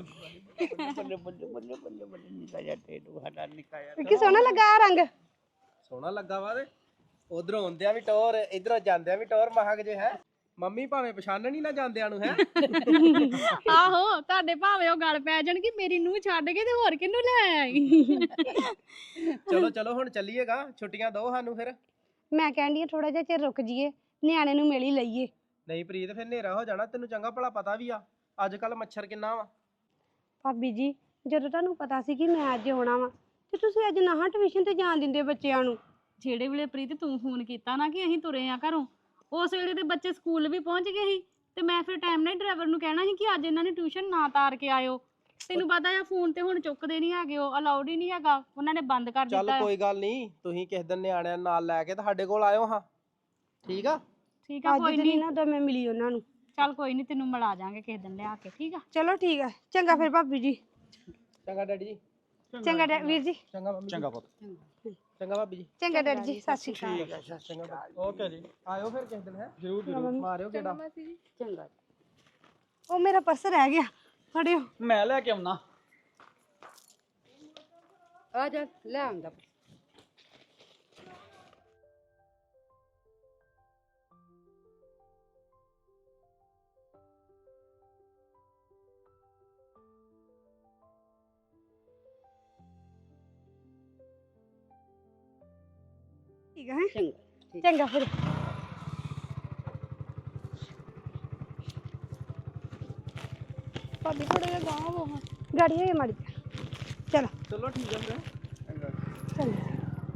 ਕਿ ਸੋਹਣਾ ਲੱਗਾ ਆ ਰੰਗ।
ਸੋਹਣਾ ਲੱਗਾ ਵਾ ਤੇ ਉਧਰੋਂ ਆਉਂਦਿਆਂ ਵੀ ਟੌਰ, ਇਧਰੋਂ ਜਾਂਦਿਆਂ ਵੀ ਟੌਰ। ਮਹਾਕ ਜੇ ਹੈ ਮੰਮੀ ਭਾਵੇਂ ਪਛਾਣਨ ਹੀ ਨਾ ਜਾਂਦਿਆਂ ਨੂੰ। ਹੈ
ਆਹੋ ਤੁਹਾਡੇ ਭਾਵੇਂ ਉਹ ਗੱਲ ਪੈ ਜਾਣਗੀ, ਮੇਰੀ ਨੂੰਹ ਛੱਡ ਕੇ ਤੇ ਹੋਰ ਕਿਹਨੂੰ ਲੈ ਆਈ।
ਚਲੋ ਚਲੋ ਹੁਣ ਚੱਲੀਏਗਾ, ਛੁੱਟੀਆਂ ਦਿਓ ਸਾਨੂੰ ਫਿਰ।
ਮੈਂ ਕਹਿੰਦੀ ਆ ਥੋੜਾ ਜਿਹਾ ਚਿਰ ਰੁਕ ਜਾਈਏ, ਨਿਆਣੇ ਨੂੰ ਮਿਲ ਹੀ ਲਈਏ।
ਨਹੀਂ ਪ੍ਰੀਤ, ਫਿਰ ਹਨੇਰਾ ਹੋ ਜਾਣਾ। ਤੈਨੂੰ ਚੰਗਾ ਭਲਾ ਪਤਾ ਵੀ ਆ ਅੱਜ ਕੱਲ ਮੱਛਰ ਕਿੰਨਾ ਵਾ।
ਭਾਬੀ ਜੀ ਜਦੋਂ ਤੁਹਾਨੂੰ ਪਤਾ ਸੀ ਕਿ ਮੈਂ ਅੱਜ ਆਉਣਾ ਵਾ, ਤੇ ਤੁਸੀਂ ਅੱਜ ਨਾ ਟਿਊਸ਼ਨ ਤੇ ਜਾਣ ਦਿੰਦੇ ਬੱਚਿਆਂ ਨੂੰ।
ਜਿਹੜੇ ਵੇਲੇ ਪ੍ਰੀਤ ਤੂੰ ਫੋਨ ਕੀਤਾ ਨਾ ਕਿ ਅਸੀਂ ਤੁਰੇ ਆ ਘਰੋਂ, ਉਸ ਵੇਲੇ ਤੇ ਬੱਚੇ ਸਕੂਲ ਵੀ ਪਹੁੰਚ ਗਏ ਸੀ। ਤੇ ਮੈਂ ਫਿਰ ਟਾਈਮ ਨਾਲ ਡਰਾਈਵਰ ਨੂੰ ਕਹਿਣਾ ਸੀ ਕਿ ਅੱਜ ਇਹਨਾਂ ਨੇ ਟਿਊਸ਼ਨ ਨਾ ਤਾਰ ਕੇ ਆਇਓ। ਤੈਨੂੰ ਪਤਾ ਆ ਫੋਨ ਤੇ ਹੁਣ ਚੁੱਕਦੇ ਨਹੀਂ ਹੈਗੇ, ਉਹ ਅਲਾਉਡ ਹੀ ਨਹੀਂ ਹੈਗਾ, ਉਹਨਾਂ ਨੇ ਬੰਦ ਕਰ
ਚੱਲ
ਦਿੱਤਾ।
ਕੋਈ ਗੱਲ ਨਹੀਂ, ਤੁਸੀਂ ਕਿਸੇ ਦਿਨ ਨਿਆਣਿਆਂ ਨੂੰ ਨਾਲ ਲੈ ਕੇ ਤੁਹਾਡੇ ਕੋਲ ਆਇਓ ਹਾਂ। ਠੀਕ ਆ।
ਠੀਕ ਆ
ਅੱਜ
ਕੋਈ
ਤੇ
ਨਹੀਂ,
ਨਹੀਂ ਨਾ ਉਦੋਂ ਮੈਂ ਮਿਲੀ ਉਹਨਾਂ ਨੂੰ।
ਚੱਲ ਕੋਈ ਨਹੀਂ ਤੈਨੂੰ ਮਿਲਾ ਜਾਾਂਗੇ ਕਿਸੇ ਦਿਨ ਲਿਆ ਕੇ। ਠੀਕ ਆ
ਚਲੋ ਠੀਕ ਆ, ਚੰਗਾ ਫਿਰ ਭਾਬੀ ਜੀ।
ਚੰਗਾ ਡੈਡੀ ਜੀ।
ਚੰਗਾ ਵੀਰ ਜੀ।
ਚੰਗਾ ਮੰਮੀ।
ਚੰਗਾ ਪੁੱਤ।
ਚੰਗਾ ਭਾਬੀ ਜੀ।
ਚੰਗਾ ਡੈਡੀ ਜੀ, ਸਤਿ ਸ਼੍ਰੀ ਅਕਾਲ।
ਚੰਗਾ
ਓਕੇ ਜੀ,
ਆਇਓ ਫਿਰ ਕਿਸੇ ਦਿਨ। ਹੈ
ਜ਼ਰੂਰ
ਜ਼ਰੂਰ ਮਾਰਿਓ ਕਿਹੜਾ।
ਮਾਸੀ ਜੀ
ਚੰਗਾ।
ਉਹ ਮੇਰਾ ਪਰਸ ਰਹਿ ਗਿਆ, ਫੜਿਓ।
ਮੈਂ ਲੈ ਕੇ ਆਉਣਾ।
ਆ ਜਾ ਲੈ ਆਉਂਦਾ।
ਠੀਕ ਆ ਹੈਂ?
ਚੰਗਾ।
ਚੰਗਾ ਫਿਰ। ਭਾਬੀ ਥੋੜਾ ਜਿਹਾ ਗਾਂਹ ਹੋ ਹਾਂ, ਗਾੜੀ ਹੋਈ ਮਾੜੀ ਜਿਹੀ। ਚਲੋ
ਚਲੋ ਠੀਕ ਹੈ ਫਿਰ।
ਚੰਗਾ।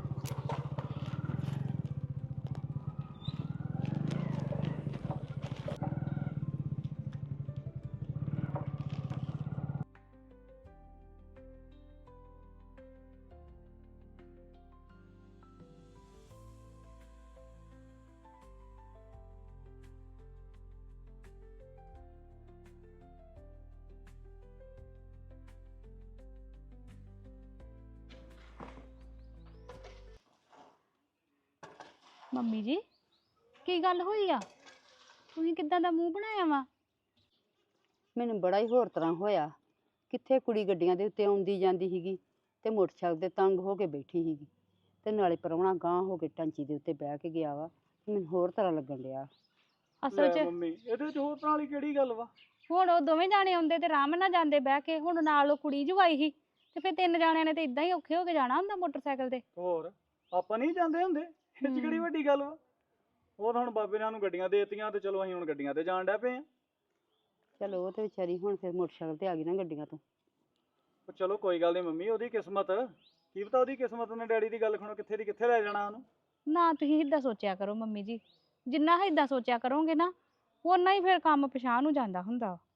ਮੰਮੀ ਜੀ ਕੀ ਗੱਲ ਹੋਈ ਆ, ਤੁਸੀਂ ਕਿੱਦਾਂ ਦਾ ਮੂੰਹ ਬਣਾਇਆ ਵਾ?
ਮੈਨੂੰ ਬੜਾ ਹੀ ਹੋਰ ਤਰ੍ਹਾਂ ਹੋਇਆ। ਕਿੱਥੇ ਕੁੜੀ ਗੱਡੀਆਂ ਦੇ ਉੱਤੇ ਆਉਂਦੀ ਜਾਂਦੀ ਸੀਗੀ ਤੇ ਮੋਟਰਸਾਈਕਲ ਤੇ ਤੰਗ ਹੋ ਕੇ ਬੈਠੀ ਸੀਗੀ, ਤੇ ਨਾਲੇ ਪ੍ਰਾਹੁਣਾ ਗਾਂਹ ਹੋ ਕੇ ਟਾਂਚੀ ਦੇ ਉੱਤੇ ਬਹਿ ਕੇ ਗਿਆ ਵਾ। ਮੈਨੂੰ ਹੋਰ ਤਰ੍ਹਾਂ ਲੱਗਣ ਡਿਆ।
ਅਸਲ 'ਚ
ਮੰਮੀ ਇਹਦੇ ਚ ਹੋਰ ਤਰ੍ਹਾਂ ਵਾਲੀ ਕਿਹੜੀ ਗੱਲ ਵਾ?
ਹੁਣ ਉਹ ਦੋਵੇਂ ਜਾਣੇ ਆਉਂਦੇ ਤੇ ਆਰਾਮ ਨਾਲ ਜਾਂਦੇ ਬਹਿ ਕੇ, ਹੁਣ ਨਾਲ ਉਹ ਕੁੜੀ ਜੂ ਆਈ ਸੀ ਤੇ ਫਿਰ 3 ਜਾਣਿਆਂ ਨੇ ਤੇ ਇਦਾਂ ਹੀ ਔਖੇ ਹੋ ਕੇ ਜਾਣਾ ਹੁੰਦਾ ਮੋਟਰਸਾਈਕਲ ਤੇ।
ਹੋਰ ਆਪਾਂ ਨਹੀਂ ਜਾਂਦੇ ਹੁੰਦੇ, ਇਹ ਚ ਕਿਹੜੀ ਵੱਡੀ ਗੱਲ ਵਾ? ਉਹ ਤਾਂ ਹੁਣ ਬਾਬੇ ਨੇ ਸਾਨੂੰ ਗੱਡੀਆਂ ਦੇ ਦਿੱਤੀਆਂ ਤੇ ਚਲੋ ਅਸੀਂ ਹੁਣ ਗੱਡੀਆਂ ਤੇ ਜਾਣ ਡੈ ਪਏ ਆ।
ਚਲੋ ਉਹ ਤੇ ਵਿਚਾਰੀ ਹੁਣ ਫਿਰ ਮੋਟਰਸਾਈਕਲ ਤੇ ਆ ਗਈ ਨਾ ਗੱਡੀਆਂ ਤੋਂ।
ਪਰ ਚਲੋ ਕੋਈ ਗੱਲ ਨਹੀਂ ਮੰਮੀ, ਉਹਦੀ ਕਿਸਮਤ, ਕੀ ਪਤਾ ਉਹਦੀ ਕਿਸਮਤ ਨੇ ਡੈਡੀ ਦੀ ਗੱਲ ਖਣੋ ਕਿੱਥੇ ਦੀ ਕਿੱਥੇ ਲੈ ਜਾਣਾ ਉਹਨੂੰ।
ਨਾ ਤੁਸੀਂ ਏਦਾਂ ਸੋਚਿਆ ਕਰੋ ਮੰਮੀ ਜੀ, ਜਿੰਨਾ ਏਦਾਂ ਸੋਚਿਆ ਕਰੋਗੇ ਨਾ ਓਨਾ ਹੀ ਫਿਰ ਕੰਮ ਪਿਛਾਂਹ ਨੂੰ ਜਾਂਦਾ ਹੁੰਦਾ।